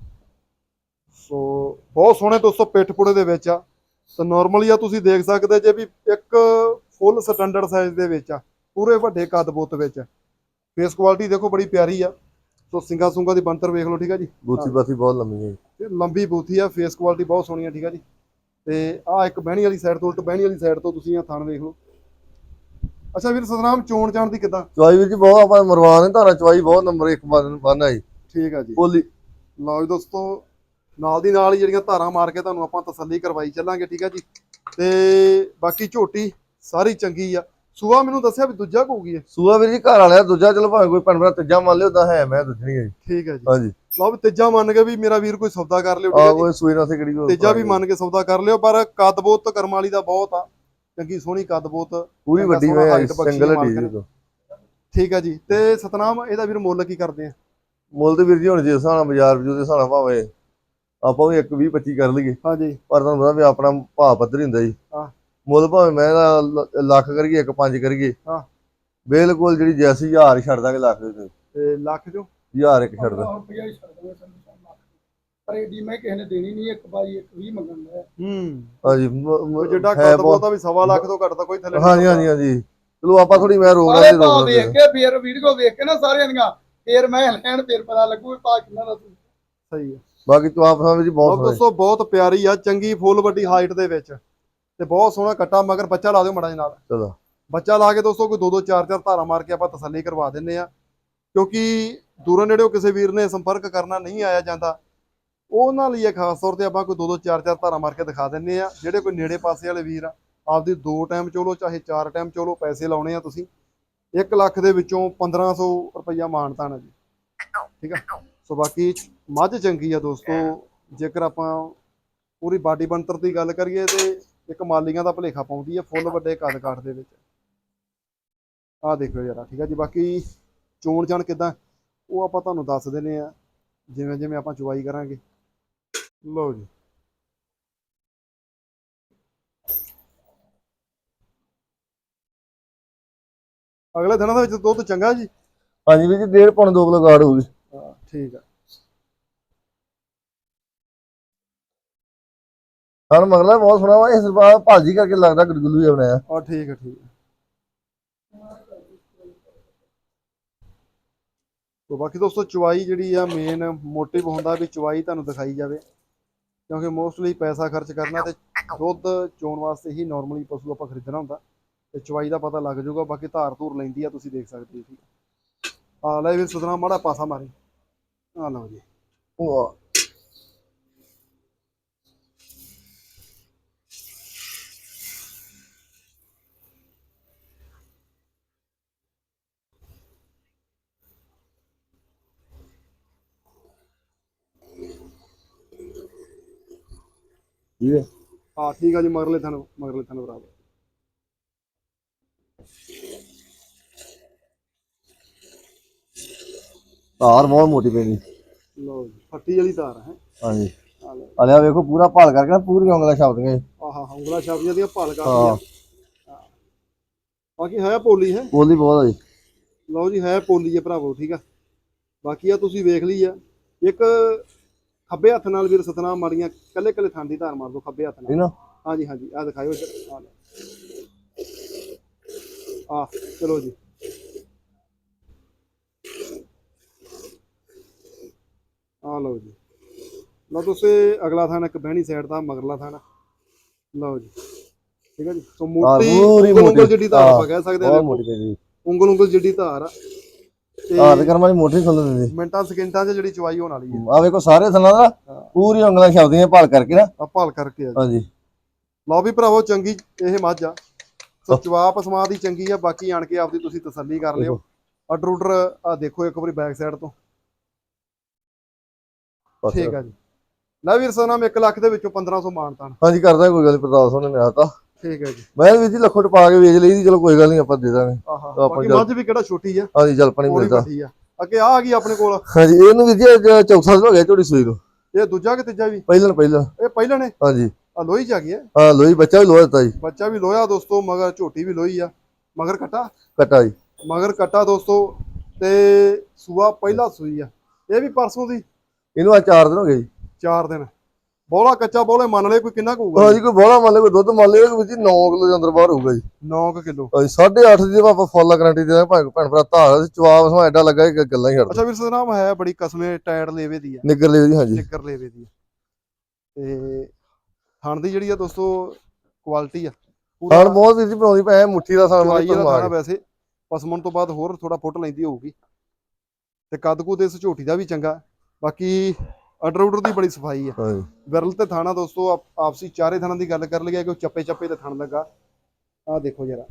A: ਸੋ ਬਹੁਤ ਸੋਹਣੇ ਦੋਸਤੋ ਪਿੱਠ ਪੁੜੇ ਦੇ ਵਿੱਚ ਆ। ਤੇ ਨਾਰਮਲੀ ਆ ਤੁਸੀਂ ਦੇਖ ਸਕਦੇ ਜੇ ਵੀ ਇੱਕ ਫੁੱਲ ਸਟੈਂਡਰਡ ਸਾਈਜ਼ ਦੇ ਵਿੱਚ ਆ, ਪੂਰੇ ਵੱਡੇ ਕੱਦ ਬੁੱਤ ਵਿੱਚ। ਫੇਸ ਕੁਆਲਿਟੀ ਦੇਖੋ ਬੜੀ ਪਿਆਰੀ ਆ। ਸੋ ਸਿੰਗਾ ਸੁੰਗਾ ਦੀ ਬਣਤਰ ਵੇਖ ਲਓ, ਠੀਕ ਹੈ ਜੀ।
B: ਬੂਥੀ ਬਾਥੀ ਬਹੁਤ ਲੰਮੀ ਹੈ ਜੀ।
A: ਤੇ ਲੰਬੀ ਬੂਥੀ ਆ, ਫੇਸ ਕੁਆਲਿਟੀ ਬਹੁਤ ਸੋਹਣੀ ਆ, ਠੀਕ ਹੈ ਜੀ। ਤੇ ਆ ਇੱਕ ਬਹਿਣੀ ਵਾਲੀ ਸਾਈਡ ਤੋਂ, ਉਲਟ ਬਹਿਣੀ ਵਾਲੀ ਸਾਈਡ ਤੋਂ ਤੁਸੀਂ ਆ ਥਣ ਵੇਖ ਲਓ। ਅੱਛਾ ਵੀਰ ਸਤਨਾਮ, ਚੋਣ ਚਾਣ ਦੀ ਕਿੱਦਾਂ?
B: ਚਵਾਈ ਵੀਰ ਜੀ ਬਹੁਤ, ਆਪਾਂ ਮਰਵਾਨ ਨੇ ਧਾਰਾ ਚਵਾਈ ਬਹੁਤ, ਨੰਬਰ 1 ਬੰਨ ਆ ਜੀ।
A: ਠੀਕ ਆ ਜੀ।
B: ਬੋਲੀ
A: ਲਓ ਜੀ ਦੋਸਤੋ, ਨਾਲ ਦੀ ਨਾਲ ਹੀ ਜਿਹੜੀਆਂ ਧਾਰਾਂ ਮਾਰ ਕੇ ਤੁਹਾਨੂੰ ਆਪਾਂ ਤਸੱਲੀ ਕਰਵਾਈ ਚੱਲਾਂਗੇ, ਠੀਕ ਹੈ ਜੀ। ਤੇ ਬਾਕੀ ਝੋਟੀ ਸਾਰੀ ਚੰਗੀ ਆ। ਸੂਆ ਮੈਨੂੰ ਦੱਸਿਆ ਵੀ ਦੂਜਾ ਹੋਊਗੀ ਇਹ।
B: ਸੂਆ ਵੀਰ ਜੀ ਘਰ ਵਾਲਿਆ ਦੂਜਾ, ਚਲੋ ਭਾਵੇਂ ਕੋਈ ਭੈਣ ਭਰਾ ਤੀਜਾ ਮੰਨ ਲਿਓ, ਤਾਂ ਹੈ ਮੈਂ ਦੂਜਣੀ ਹੈ ਜੀ।
A: ਠੀਕ ਹੈ ਜੀ।
B: ਹਾਂਜੀ,
A: ਲਓ ਵੀ ਤੀਜਾ ਮੰਨ ਕੇ ਵੀ ਮੇਰਾ ਵੀਰ ਕੋਈ ਸੌਦਾ ਕਰ ਲਿਓ, ਠੀਕ
B: ਆ
A: ਹੈ ਜੀ।
B: ਕੋਈ ਸੂਈ ਨਾਲ ਸੇ ਕਿਹੜੀ
A: ਤੀਜਾ ਵੀ ਮੰਨ ਕੇ ਸੌਦਾ ਕਰ ਲਿਓ, ਪਰ ਕੱਦ ਬੋਤ ਕਰਮ ਵਾਲੀ ਦਾ ਬਹੁਤ ਆ, ਚੰਗੀ ਸੋਹਣੀ ਕੱਦ ਬੋਤ,
B: ਪੂਰੀ ਵੱਡੀ ਮੈਂ ਸਿੰਗਲ ਹੱਡੀ ਜੀ।
A: ਠੀਕ ਹੈ ਜੀ। ਤੇ ਸਤਨਾਮ, ਇਹਦਾ ਵੀਰ ਮੁੱਲ ਕੀ ਕਰਦੇ ਆ?
B: ਮੁੱਲ ਤੇ ਵੀਰ ਜੀ ਹੁਣ ਜੇ ਹਿਸਾਬ ਨਾਲ ਬਾਜ਼ਾਰ ਵਜੂ ਦੇ ਹਿਸਾਬ ਨਾਲ ਭਾਵੇਂ ਆਪਾਂ ਵੀ 1-20-25 ਕਰ ਲਈਏ,
A: ਹਾਂਜੀ।
B: ਪਰ ਤੁਹਾਨੂੰ ਪਤਾ ਵੀ ਆਪਣਾ ਭਾਅ ਪੱਧਰ ਹੀ ਹੁੰਦਾ ਜੀ।
A: ਹਾਂ।
B: ਮੁੱਲ ਭਾਵੇਂ ਮੈਂ ਲੱਖ ਕਰੀਏ, 1.5 ਕਰੀਏ,
A: ਹਾਂ।
B: ਬਿਲਕੁਲ ਜਿਹੜੀ ਜੈਸੀ 1000 ਹੀ ਛੱਡ ਦਾਂਗੇ ਲੱਖ ਦੇ
A: ਤੇ ਲੱਖ ਚੋਂ
B: 1000 ਇੱਕ ਛੱਡ ਦਾਂ।
C: ਰੁਪਇਆ ਹੀ ਛੱਡ ਦਾਂਗੇ ਸੰਧੂ ਸਾਹਿਬ ਲੱਖ। ਪਰ ਏਡੀ ਮੈਂ ਕਿਸੇ ਨੇ ਦੇਣੀ ਨਹੀਂ, ਇੱਕ ਬਾਈ ਇੱਕ 20 ਮੰਗਣ ਦਾ।
B: ਹਾਂਜੀ
A: ਉਹ ਜਿੱਡਾ ਕੱਦ ਬੋਲਦਾ ਵੀ 1.25 ਲੱਖ ਤੋਂ ਘੱਟ ਤਾਂ ਕੋਈ ਥੱਲੇ
B: ਹਾਂਜੀ ਹਾਂਜੀ ਹਾਂਜੀ ਚਲੋ ਆਪਾਂ ਥੋੜੀ ਮੈਂ ਰੋਕ
C: ਸਾਰੇ
B: ਲਾਂਗੇ
C: ਭਾਅ ਵੇਖ ਕੇ ਫਿਰ ਵੀਡੀਓ ਵੇਖ ਕੇ ਨਾ ਸਾਰਿਆਂ ਦੀਆਂ ਫਿਰ ਮੈਂ ਲੈਣ ਫਿਰ ਪਤਾ ਲੱਗੂ ਭਾਅ ਕਿੰਨਾ ਦਾ।
A: ਸਹੀ ਹੈ।
B: ਬਾਕੀ ਤੂੰ ਆਪ ਵਿੱਚ ਬਹੁਤ ਸੋਹਣਾ
A: ਦੋਸਤੋ ਬਹੁਤ ਪਿਆਰੀ ਆ, ਚੰਗੀ ਫੁੱਲ ਵੱਡੀ ਹਾਈਟ ਦੇ ਵਿੱਚ ਤੇ ਬਹੁਤ ਸੋਹਣਾ ਕੱਟਾ, ਮਗਰ ਬੱਚਾ ਲਾ ਦਿਓ ਮੜਾ ਜੀ ਨਾਲ।
B: ਚਲੋ
A: ਬੱਚਾ ਲਾ ਕੇ ਦੋਸਤੋ ਕੋਈ 2-2 4-4 ਧਾਰਾ ਮਾਰ ਕੇ ਆਪਾਂ ਤਸੱਲੀ ਕਰਵਾ ਦਿੰਨੇ ਆ, ਕਿਉਂਕਿ ਦੂਰੋਂ ਨੇੜਿਓਂ ਕਿਸੇ ਵੀਰ ਨੇ ਸੰਪਰਕ ਕਰਨਾ ਨਹੀਂ ਆਇਆ ਜਾਂਦਾ, ਉਹਨਾਂ ਲਈ ਖਾਸ ਤੌਰ ਤੇ ਆਪਾਂ ਕੋਈ 2-2 4-4 ਧਾਰਾ ਮਾਰ ਕੇ ਦਿਖਾ ਦਿੰਨੇ ਆ। ਜਿਹੜੇ ਕੋਈ ਨੇੜੇ ਪਾਸੇ ਵਾਲੇ ਵੀਰ ਆ, ਆਪਦੀ 2 ਟਾਈਮ ਚੋਲੋ ਚਾਹੇ 4 ਟਾਈਮ ਚੋਲੋ, ਪੈਸੇ ਲਾਉਣੇ ਆ ਤੁਸੀਂ 1 ਲੱਖ ਦੇ ਵਿੱਚੋਂ 1500 ਰੁਪਈਆ ਮਾਨਤਾਨ ਆ ਜੀ, ਠੀਕ ਆ। ਸੋ ਬਾਕੀ ਮੱਝ ਚੰਗੀ ਆ ਦੋਸਤੋ, ਜੇਕਰ ਆਪਾਂ ਪੂਰੀ ਬਾਡੀ ਬਣਤਰ ਦੀ ਗੱਲ ਕਰੀਏ ਤੇ ਇੱਕ ਮਾਲੀਆਂ ਦਾ ਭੁਲੇਖਾ ਪਾਉਂਦੀ ਆ ਫੁੱਲ ਵੱਡੇ ਕੱਦ ਕਾਠ ਦੇ ਵਿੱਚ। ਆਹ ਦੇਖੋ ਯਾਰਾ, ਠੀਕ ਆ ਜੀ। ਬਾਕੀ ਚੋਣ ਜਾਣ ਕਿਦਾਂ ਉਹ ਆਪਾਂ ਤੁਹਾਨੂੰ ਦੱਸ ਦਿੰਨੇ ਆ ਜਿਵੇਂ ਜਿਵੇਂ ਆਪਾਂ ਚੁਵਾਈ ਕਰਾਂਗੇ। ਲਓ ਜੀ, ਅਗਲੇ ਦਿਨਾਂ ਦੇ ਵਿੱਚ ਦੁੱਧ ਚੰਗਾ ਜੀ।
B: ਹਾਂਜੀ ਵੀਰ ਜੀ 1.5 ਪੌਣ 2 ਕਿਲੋ ਗਾੜ ਹੋਊਗੀ।
A: ਹਾਂ ਠੀਕ ਆ।
B: ਹਾਂ ਮਗਲਾ ਬਹੁਤ ਸੋਹਣਾ ਵਾ, ਇਸ ਵਾਰ ਭਾਜੀ ਕਰਕੇ ਲੱਗਦਾ ਗੁੱਲੂ ਜਿਹਾ ਬਣਾਇਆ।
A: ਆ ਠੀਕ ਆ ਠੀਕ ਆ। ਤੋ ਬਾਕੀ ਦੋਸਤੋ ਚੁਵਾਈ ਜਿਹੜੀ ਆ ਮੇਨ ਮੋਟਿਵ ਹੁੰਦਾ ਵੀ ਚੁਵਾਈ ਤੁਹਾਨੂੰ ਦਿਖਾਈ ਜਾਵੇ, ਕਿਉਂਕਿ ਮੋਸਟਲੀ ਪੈਸਾ ਖਰਚ ਕਰਨਾ ਤੇ ਦੁੱਧ ਚੋਣ ਵਾਸਤੇ ਹੀ ਨਾਰਮਲੀ ਪਸ਼ੂ ਆਪਾਂ ਖਰੀਦਣਾ ਹੁੰਦਾ, ਤੇ ਚੁਵਾਈ ਦਾ ਪਤਾ ਲੱਗ ਜਾਊਗਾ। ਬਾਕੀ ਧਾਰ ਧੂਰ ਲੈਂਦੀ ਆ, ਤੁਸੀਂ ਦੇਖ ਸਕਦੇ ਹੋ, ਠੀਕ ਆ। ਲੈ ਵੀ ਸੁਧਨਾ ਮਾੜਾ ਪਾਸਾ ਮਾਰੀ। ਆ ਲਓ ਜੀ,
B: ਵਾਹ ਠੀਕ ਹੈ।
A: ਹਾਂ ਠੀਕ ਆ ਜੀ। ਮਗਰਲੇ ਥਣ ਬਰਾਬਰ।
B: ਧਾਰ ਬਹੁਤ ਮੋਟੀ ਪੈਣੀ।
A: ਲਓ ਜੀ, ਫੱਟੀ ਵਾਲੀ ਧਾਰ ਹੈ।
B: ਹਾਂਜੀ
A: ਆ ਲਓ,
B: ਅਲਿਆ ਵੇਖੋ ਪੂਰਾ ਭਾਲ ਕਰਕੇ ਨਾ ਪੂਰੀਆਂ ਉਂਗਲਾਂ ਛਾਪਦੀਆਂ ਜੀ।
A: ਆਹਾ ਉਂਗਲਾ ਛਾਪੀਆਂ ਦੀਆਂ ਭਾਲ
B: ਹਾਂ
A: ਕਰਦੀਆਂ। ਬਾਕੀ ਹੈ ਪੋਲੀ ਹੈ।
B: ਬੋਲੀ ਬਹੁਤ ਆ ਜੀ।
A: ਲਓ ਜੀ, ਹੈ ਪੋਲੀ ਹੈ ਭਰਾਵੋ, ਠੀਕ ਆ। ਬਾਕੀ ਆ ਤੁਸੀਂ ਵੇਖ ਲਈ ਆ, ਇੱਕ ਖੱਬੇ ਹੱਥ ਨਾਲ ਵੀਰ ਸਤਨਾਮ ਮਾਰੀਆਂ ਕੱਲੇ ਕੱਲੇ ਥਾਂ ਦੀ ਧਾਰ ਮਾਰ ਦੋ ਖੱਬੇ ਹੱਥ
B: ਠੀਕ
A: ਨਾਲ।
B: ਨਾ
A: ਹਾਂਜੀ ਹਾਂਜੀ, ਆ ਦਿਖਾਇਓ ਇੱਧਰ। ਆ ਲਓ, ਆ ਚਲੋ ਜੀ। ਆ ਲਓ ਜੀ, ਲਓ ਤੁਸੀਂ ਅਗਲਾ ਥਾਂ ਇੱਕ ਬਹਿਣੀ ਸਾਈਡ ਦਾ ਮਗਰਲਾ ਥਾਂ। ਲਓ ਜੀ, ਠੀਕ ਹੈ ਜੀ। ਸੋ ਮੋਟੀ ਉਂਗਲ ਜਿੱਡੀ ਧਾਰ ਆਪਾਂ ਕਹਿ ਸਕਦੇ ਹਾਂ।
B: ਬਹੁਤ ਮੋਟੀ ਪੈਣੀ।
A: ਉਂਗਲ ਜਿੱਡੀ ਧਾਰ ਆ
B: ਧਾਰ ਕਰਮਾਂ ਦੀ ਮੋਟੀ ਖੁੱਲ ਦਿੰਦੀ।
A: ਮਿੰਟਾਂ ਸਕਿੰਟਾਂ 'ਚ ਜਿਹੜੀ ਚਵਾਈ ਹੋਣ ਵਾਲੀ ਹੈ।
B: ਆ ਵੇਖੋ ਸਾਰੇ ਥੱਲਾਂ ਦਾ ਪੂਰੀ ਉਂਗਲਾਂ ਛਾਪਦੀਆਂ ਭਾਲ ਕਰਕੇ ਨਾ।
A: ਆ ਭਾਲ ਕਰਕੇ ਆ ਜੀ।
B: ਹਾਂਜੀ
A: ਲਓ ਵੀ ਭਰਾਵੋ, ਚੰਗੀ ਇਹ ਮੱਝ ਆ। ਸੋ ਜਵਾਬ ਸਮਾਂ ਦੀ ਚੰਗੀ ਆ। ਬਾਕੀ ਆਣ ਕੇ ਆਪਦੀ ਤੁਸੀਂ ਤਸੱਲੀ ਕਰ ਲਿਓ। ਆਰਡਰ ਉਡਰ ਆ ਦੇਖੋ ਇੱਕ ਵਾਰੀ ਬੈਕ ਸਾਈਡ ਤੋਂ, ਠੀਕ ਆ ਜੀ। ਲੈ ਵੀਰ ਸਨਾਮ 1 ਲੱਖ ਦੇ ਵਿੱਚੋਂ 1500 ਮਾਨਤਾਨ।
B: ਹਾਂਜੀ ਕਰਦਾ ਕੋਈ ਗੱਲ ਨਹੀਂ, ਪ੍ਰਤਾਪ ਸਿੰਘ ਨੇ ਮੈਂ ਆਤਾ।
A: ਠੀਕ ਹੈ ਜੀ।
B: ਮੈਂ ਵੀਰ ਜੀ ਲੱਖੋਂ ਟਪਾ ਕੇ ਵੇਚ ਲਈ ਦੀ, ਚਲੋ ਕੋਈ ਗੱਲ ਨਹੀਂ ਆਪਾਂ ਦੇ ਦਾਂਗੇ।
A: ਆਹਾ ਬਾਕੀ ਮੱਝ ਵੀ ਕਿਹੜਾ ਛੋਟੀ ਆ,
B: ਹਾਂਜੀ ਜਲ ਪਾਣੀ
A: ਥੋੜੀ
B: ਮਿਲਦਾ।
A: ਵੱਡੀ ਆ। ਅੱਗੇ ਆ ਗਈ ਆਪਣੇ ਕੋਲ।
B: ਹਾਂਜੀ ਇਹਨੂੰ ਵੀਰ ਜੀ ਚੌਥਾ ਦਿਨ ਹੋ ਗਿਆ ਝੋਟੀ ਸੂਈ ਨੂੰ।
A: ਇਹ ਦੂਜਾ ਕਿ ਤੀਜਾ ਵੀ?
B: ਪਹਿਲਾਂ
A: ਇਹ ਪਹਿਲਾਂ ਨੇ।
B: ਹਾਂਜੀ
A: ਆ ਲੋਹੀ ਚ ਆ ਗਈ ਹੈ।
B: ਹਾਂ ਲੋਈ ਬੱਚਾ ਵੀ ਲੋਹਾ ਦਿੱਤਾ ਜੀ।
A: ਬੱਚਾ ਵੀ ਲੋਹਾ ਦੋਸਤੋ, ਮਗਰ ਝੋਟੀ ਵੀ ਲੋਹੀ ਆ। ਮਗਰ ਕੱਟਾ
B: ਜੀ
A: ਮਗਰ ਕੱਟਾ ਦੋਸਤੋ, ਤੇ ਸੂਆ ਪਹਿਲਾ ਸੂਈ ਆ। ਇਹ ਵੀ ਪਰਸੋਂ ਦੀ।
B: ਇਹਨੂੰ ਆ 4 ਦਿਨ ਹੋ ਗਏ ਜੀ।
A: 4 ਦਿਨ। ਬੋਲਾ ਕੱਚਾ ਬੋਲੇ ਮੰਨ ਲਏ ਕੋਈ ਕਿੰਨਾ ਕੁ ਹੋਊਗਾ?
B: ਹਾਂਜੀ ਕੋਈ ਬੋਲਾ ਮੰਨ ਲੈ, ਕੋਈ ਦੁੱਧ ਮੰਨ ਲੈ ਵੀਰ ਜੀ 9 ਕਿਲੋ ਦੇ ਅੰਦਰ ਬਾਹਰ ਹੋਊਗਾ ਜੀ।
A: 9 ਕਿਲੋ।
B: ਹਾਂਜੀ 8.5 ਦੀ ਆਪਾਂ ਫੁੱਲ ਗਾਰੰਟੀ ਦੇ ਭੈਣ ਭਰਾ ਧਾਰ ਚਵਾਬ ਸਮਾਂ ਐਡਾ ਲੱਗਾ ਕਿ ਗੱਲਾਂ ਹੀ ਛੱਡ।
A: ਅੱਛਾ ਵੀਰ ਸਨਾਮ ਹੈ ਬੜੀ ਕਸਮੇ ਟਾਇਰ ਲੇਵੇ ਦੀ ਆ।
B: ਨਿੱਗਰ ਲਈ ਜੀ। ਹਾਂਜੀ
A: ਨਿੱਕਰ ਲੇਵੇ ਦੀ। ਤੇ ਥਣ ਦੀ ਜਿਹੜੀ ਆ ਦੋਸਤੋ ਕੁਆਲਿਟੀ ਆ
B: ਥਣ ਬਹੁਤ ਵੀਰ ਜੀ ਬਣਾਉਂਦੀ ਪੈ ਮੁੱਠੀ ਦਾ
A: ਚਵਾਈ ਵਾਲਾ
B: ਸਾਨ
A: ਥਾਣਾ। ਵੈਸੇ ਪਸਮਣ ਤੋਂ ਬਾਅਦ ਹੋਰ ਥੋੜਾ ਫੁੱਟ ਲੈਂਦੀ ਹੋਊਗੀ, ਤੇ ਕੱਦ ਕੁ ਤੇ ਇਸ ਝੋਟੀ ਦਾ ਵੀ ਚੰਗਾ। ਬਾਕੀ ਆਰਡਰ ਉਡਰ ਦੀ ਬੜੀ ਸਫਾਈ ਆ।
B: ਹਾਂਜੀ
A: ਵਿਰਲ ਤੇ ਥਾਣਾ ਦੋਸਤੋ ਆਪਸੀ ਚਾਰੇ ਥਾਣਾ ਦੀ ਗੱਲ ਕਰ ਲਈਏ ਕਿ ਚੱਪੇ ਚੱਪੇ ਤੇ ਥਣ ਲੱਗਾ। ਆਹ ਦੇਖੋ ਜਰਾ,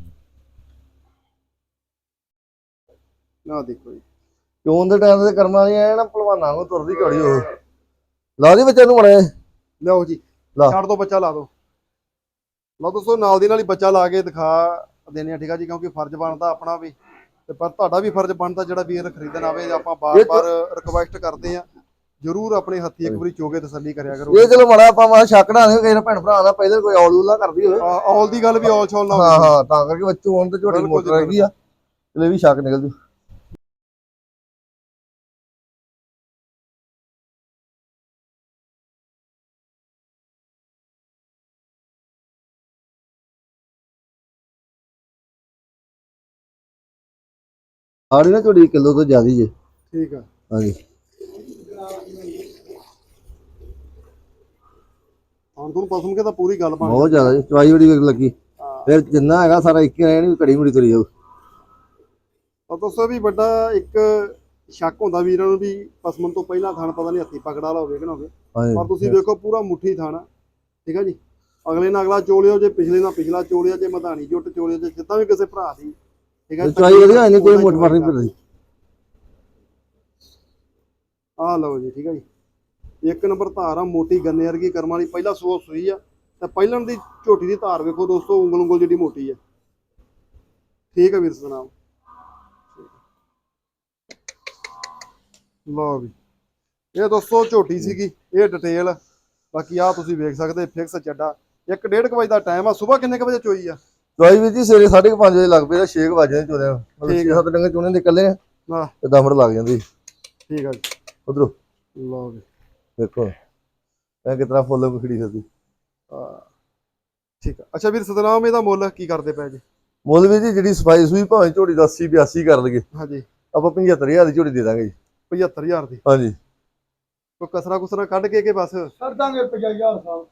A: ਆਹ ਦੇਖੋ ਜੀ।
B: ਚੋਣ ਦੇ ਟਾਈਮ ਤੇ ਕਰਮਾਂ ਵਾਲੀ ਐ ਨਾ ਭਲਵਾਨਾਂ ਨੂੰ ਤੁਰਦੀ ਘੜੀ ਉਹ ਲਾ ਦੀ ਬੱਚੇ ਨੂੰ ਬਣੇ।
A: ਲਓ ਜੀ, ਛੱਡ ਦੋ ਬੱਚਾ ਲਾ ਦੋ। ਲਓ ਦੋਸਤੋ ਨਾਲ ਦੀ ਨਾਲ ਹੀ ਬੱਚਾ ਲਾ ਕੇ ਦਿਖਾ ਦੇਣੇ ਆ, ਠੀਕ ਆ ਜੀ। ਕਿਉਂਕਿ ਫਰਜ਼ ਬਣਦਾ ਆਪਣਾ ਵੀ, ਤੇ ਪਰ ਤੁਹਾਡਾ ਵੀ ਫਰਜ਼ ਬਣਦਾ ਜਿਹੜਾ ਵੀਰ ਖਰੀਦਣ ਆਵੇ। ਆਪਾਂ ਬਾਰ-ਬਾਰ ਰਿਕਵੈਸਟ ਕਰਦੇ ਆ, ਜਰੂਰ ਆਪਣੇ ਹੱਥੀ ਇੱਕ ਵਾਰੀ ਚੋਗੇ ਤਸੱਲੀ ਕਰਿਆ ਕਰੋ।
B: ਇਹ ਚਲੋ ਮਾੜਾ ਆਪਾਂ ਮਾ ਛੱਕਣਾ ਨਹੀਂ ਕਿਸੇ ਭੈਣ ਭਰਾ ਦਾ ਪਹਿਲੇ ਕੋਈ ਔਲ ਉਲਾ ਕਰਦੀ ਹੋਵੇ।
A: ਔਲ ਦੀ ਗੱਲ ਵੀ ਔਲ ਛੋਲ ਨਾ
B: ਹਾਂ ਹਾਂ ਤਾਂ ਕਰਕੇ ਬੱਚੂ ਹੁਣ ਤੇ ਝੋਟੀ ਮੋਟਰ ਹੈਗੀ ਆ। ਚਲੇ ਵੀ ਸ਼ੱਕ ਨਿਕਲ ਜੂ। ਆੜੀ ਨਾ ਝੋਟੀ ਕਿਲੋ ਤੋਂ ਜ਼ਿਆਦਾ ਜੇ।
A: ਠੀਕ ਆ।
B: ਹਾਂਜੀ
A: ਹੁਣ ਤੁਹਾਨੂੰ ਪਸੰਦ ਕੇ ਤਾਂ ਪੂਰੀ ਗੱਲ ਬਣ
B: ਬਹੁਤ ਜ਼ਿਆਦਾ ਜੀ, ਚਵਾਈ ਬੜੀ ਲੱਗੀ।
A: ਹਾਂ।
B: ਫਿਰ ਜਿੰਨਾ ਹੈਗਾ ਸਾਰਾ ਇੱਕ ਹੀ ਰਹਿਣੀ, ਘੜੀ ਮੁੜੀ ਤੁਰੀ ਜਾਊ।
A: ਤਾਂ ਦੋਸਤੋ ਵੀ ਵੱਡਾ ਇੱਕ ਸ਼ੱਕ ਹੁੰਦਾ ਵੀਰਾਂ ਨੂੰ ਵੀ ਪਸਮਨ ਤੋਂ ਪਹਿਲਾਂ ਥਣ ਪਤਾ ਨਹੀਂ ਹੱਥੀ ਪਕੜ ਵਾਲਾ ਹੋਵੇ ਕਿ ਨਾ ਹੋਵੇ, ਪਰ ਤੁਸੀਂ
B: ਹਾਂਜੀ
A: ਵੇਖੋ ਪੂਰਾ ਮੁੱਠੀ ਥਣ ਆ। ਠੀਕ ਆ ਜੀ। ਅਗਲੇ ਨਾਲ ਅਗਲਾ ਚੋਲਿਓ, ਜੇ ਪਿਛਲੇ ਨਾਲ ਪਿਛਲਾ ਚੋਲਿਆ, ਜੇ ਮਧਾਣੀ ਜੁੱਟ ਚੋਲਿਓ, ਜੇ ਜਿੱਦਾਂ ਵੀ ਕਿਸੇ ਭਰਾ ਦੀ। ਠੀਕ ਆ।
B: ਚਵਾਈ ਵਧੀਆ ਨਹੀਂ, ਕੋਈ ਮੋਟ ਮਾਰ ਨਹੀਂ ਫਿਰਦੀ।
A: ਆਹ ਲਓ ਜੀ। ਠੀਕ ਆ ਜੀ। ਇੱਕ ਨੰਬਰ ਧਾਰ ਆ, ਮੋਟੀ ਗੰਨੇ ਵਰਗੀ ਕਰਮ ਵਾਲੀ, ਪਹਿਲਾ ਸੂਆ ਸੂਈ ਆ। ਤੇ ਪਹਿਲਣ ਦੀ ਝੋਟੀ ਦੀ ਧਾਰ ਵੇਖੋ ਦੋਸਤੋ, ਉਂਗਲ ਉਂਗਲ ਜਿਹੜੀ ਮੋਟੀ ਆ। ਠੀਕ ਆ ਵੀਰ ਸਤਨਾਮ। ਲਓ ਵੀ ਇਹ ਦੋਸਤੋ ਝੋਟੀ ਸੀਗੀ, ਇਹ ਡਿਟੇਲ। ਬਾਕੀ ਆ ਤੁਸੀਂ ਵੇਖ ਸਕਦੇ ਫਿਕਸ ਚੱਡਾ। 1:30 ਵਜੇ ਦਾ ਟਾਈਮ ਆ। ਸਵੇਰ ਕਿੰਨੇ ਵਜੇ ਚੋਈ ਆ?
B: ਚਵਾਈ ਵੀ ਜੀ ਸਵੇਰੇ 5:30 ਵਜੇ ਲੱਗ ਪਈ, 6 ਵਜੇ ਚੋਦੇ ਮਤਲਬ
A: ਠੀਕ
B: 6-7 ਡੰਗੇ ਚੋਣੇ ਨਿਕਲੇ ਆ
A: ਹਾਂ।
B: ਤੇ 10 ਮਿੰਟ ਲੱਗ ਜਾਂਦੀ।
A: ਠੀਕ ਆ ਜੀ।
B: ਉਧਰੋਂ
A: ਲਓ ਵੀ
B: ਦੇਖੋ ਇਹ ਕਿਤਨਾ ਫੁੱਲ ਖੜੀ ਫਿਰਦੀ।
A: ਠੀਕ ਆ। ਅੱਛਾ ਵੀਰ ਸਤਨਾਮ, ਇਹਦਾ ਮੁੱਲ ਕੀ ਕਰਦੇ ਪਏ ਜੀ?
B: ਮੁੱਲ ਵੀ ਜੀ ਜਿਹੜੀ ਸਫਾਈ ਸੂਈ ਭਾਵੇਂ ਝੋਟੀ ਦਾ 80-82 ਕਰ ਲਈਏ,
A: ਹਾਂਜੀ।
B: ਆਪਾਂ 75,000 ਦੀ ਝੋਟੀ ਦੇ ਦਾਂਗੇ ਜੀ।
A: 75,000 ਦੀ
B: ਹਾਂਜੀ
A: ਕੋਈ ਕਸਰਾ ਕੁਸਰਾ ਕੱਢ ਕੇ ਬਸ
C: ਕਰ ਦਾਂਗੇ 50,000 ਸਾਹਿਬ।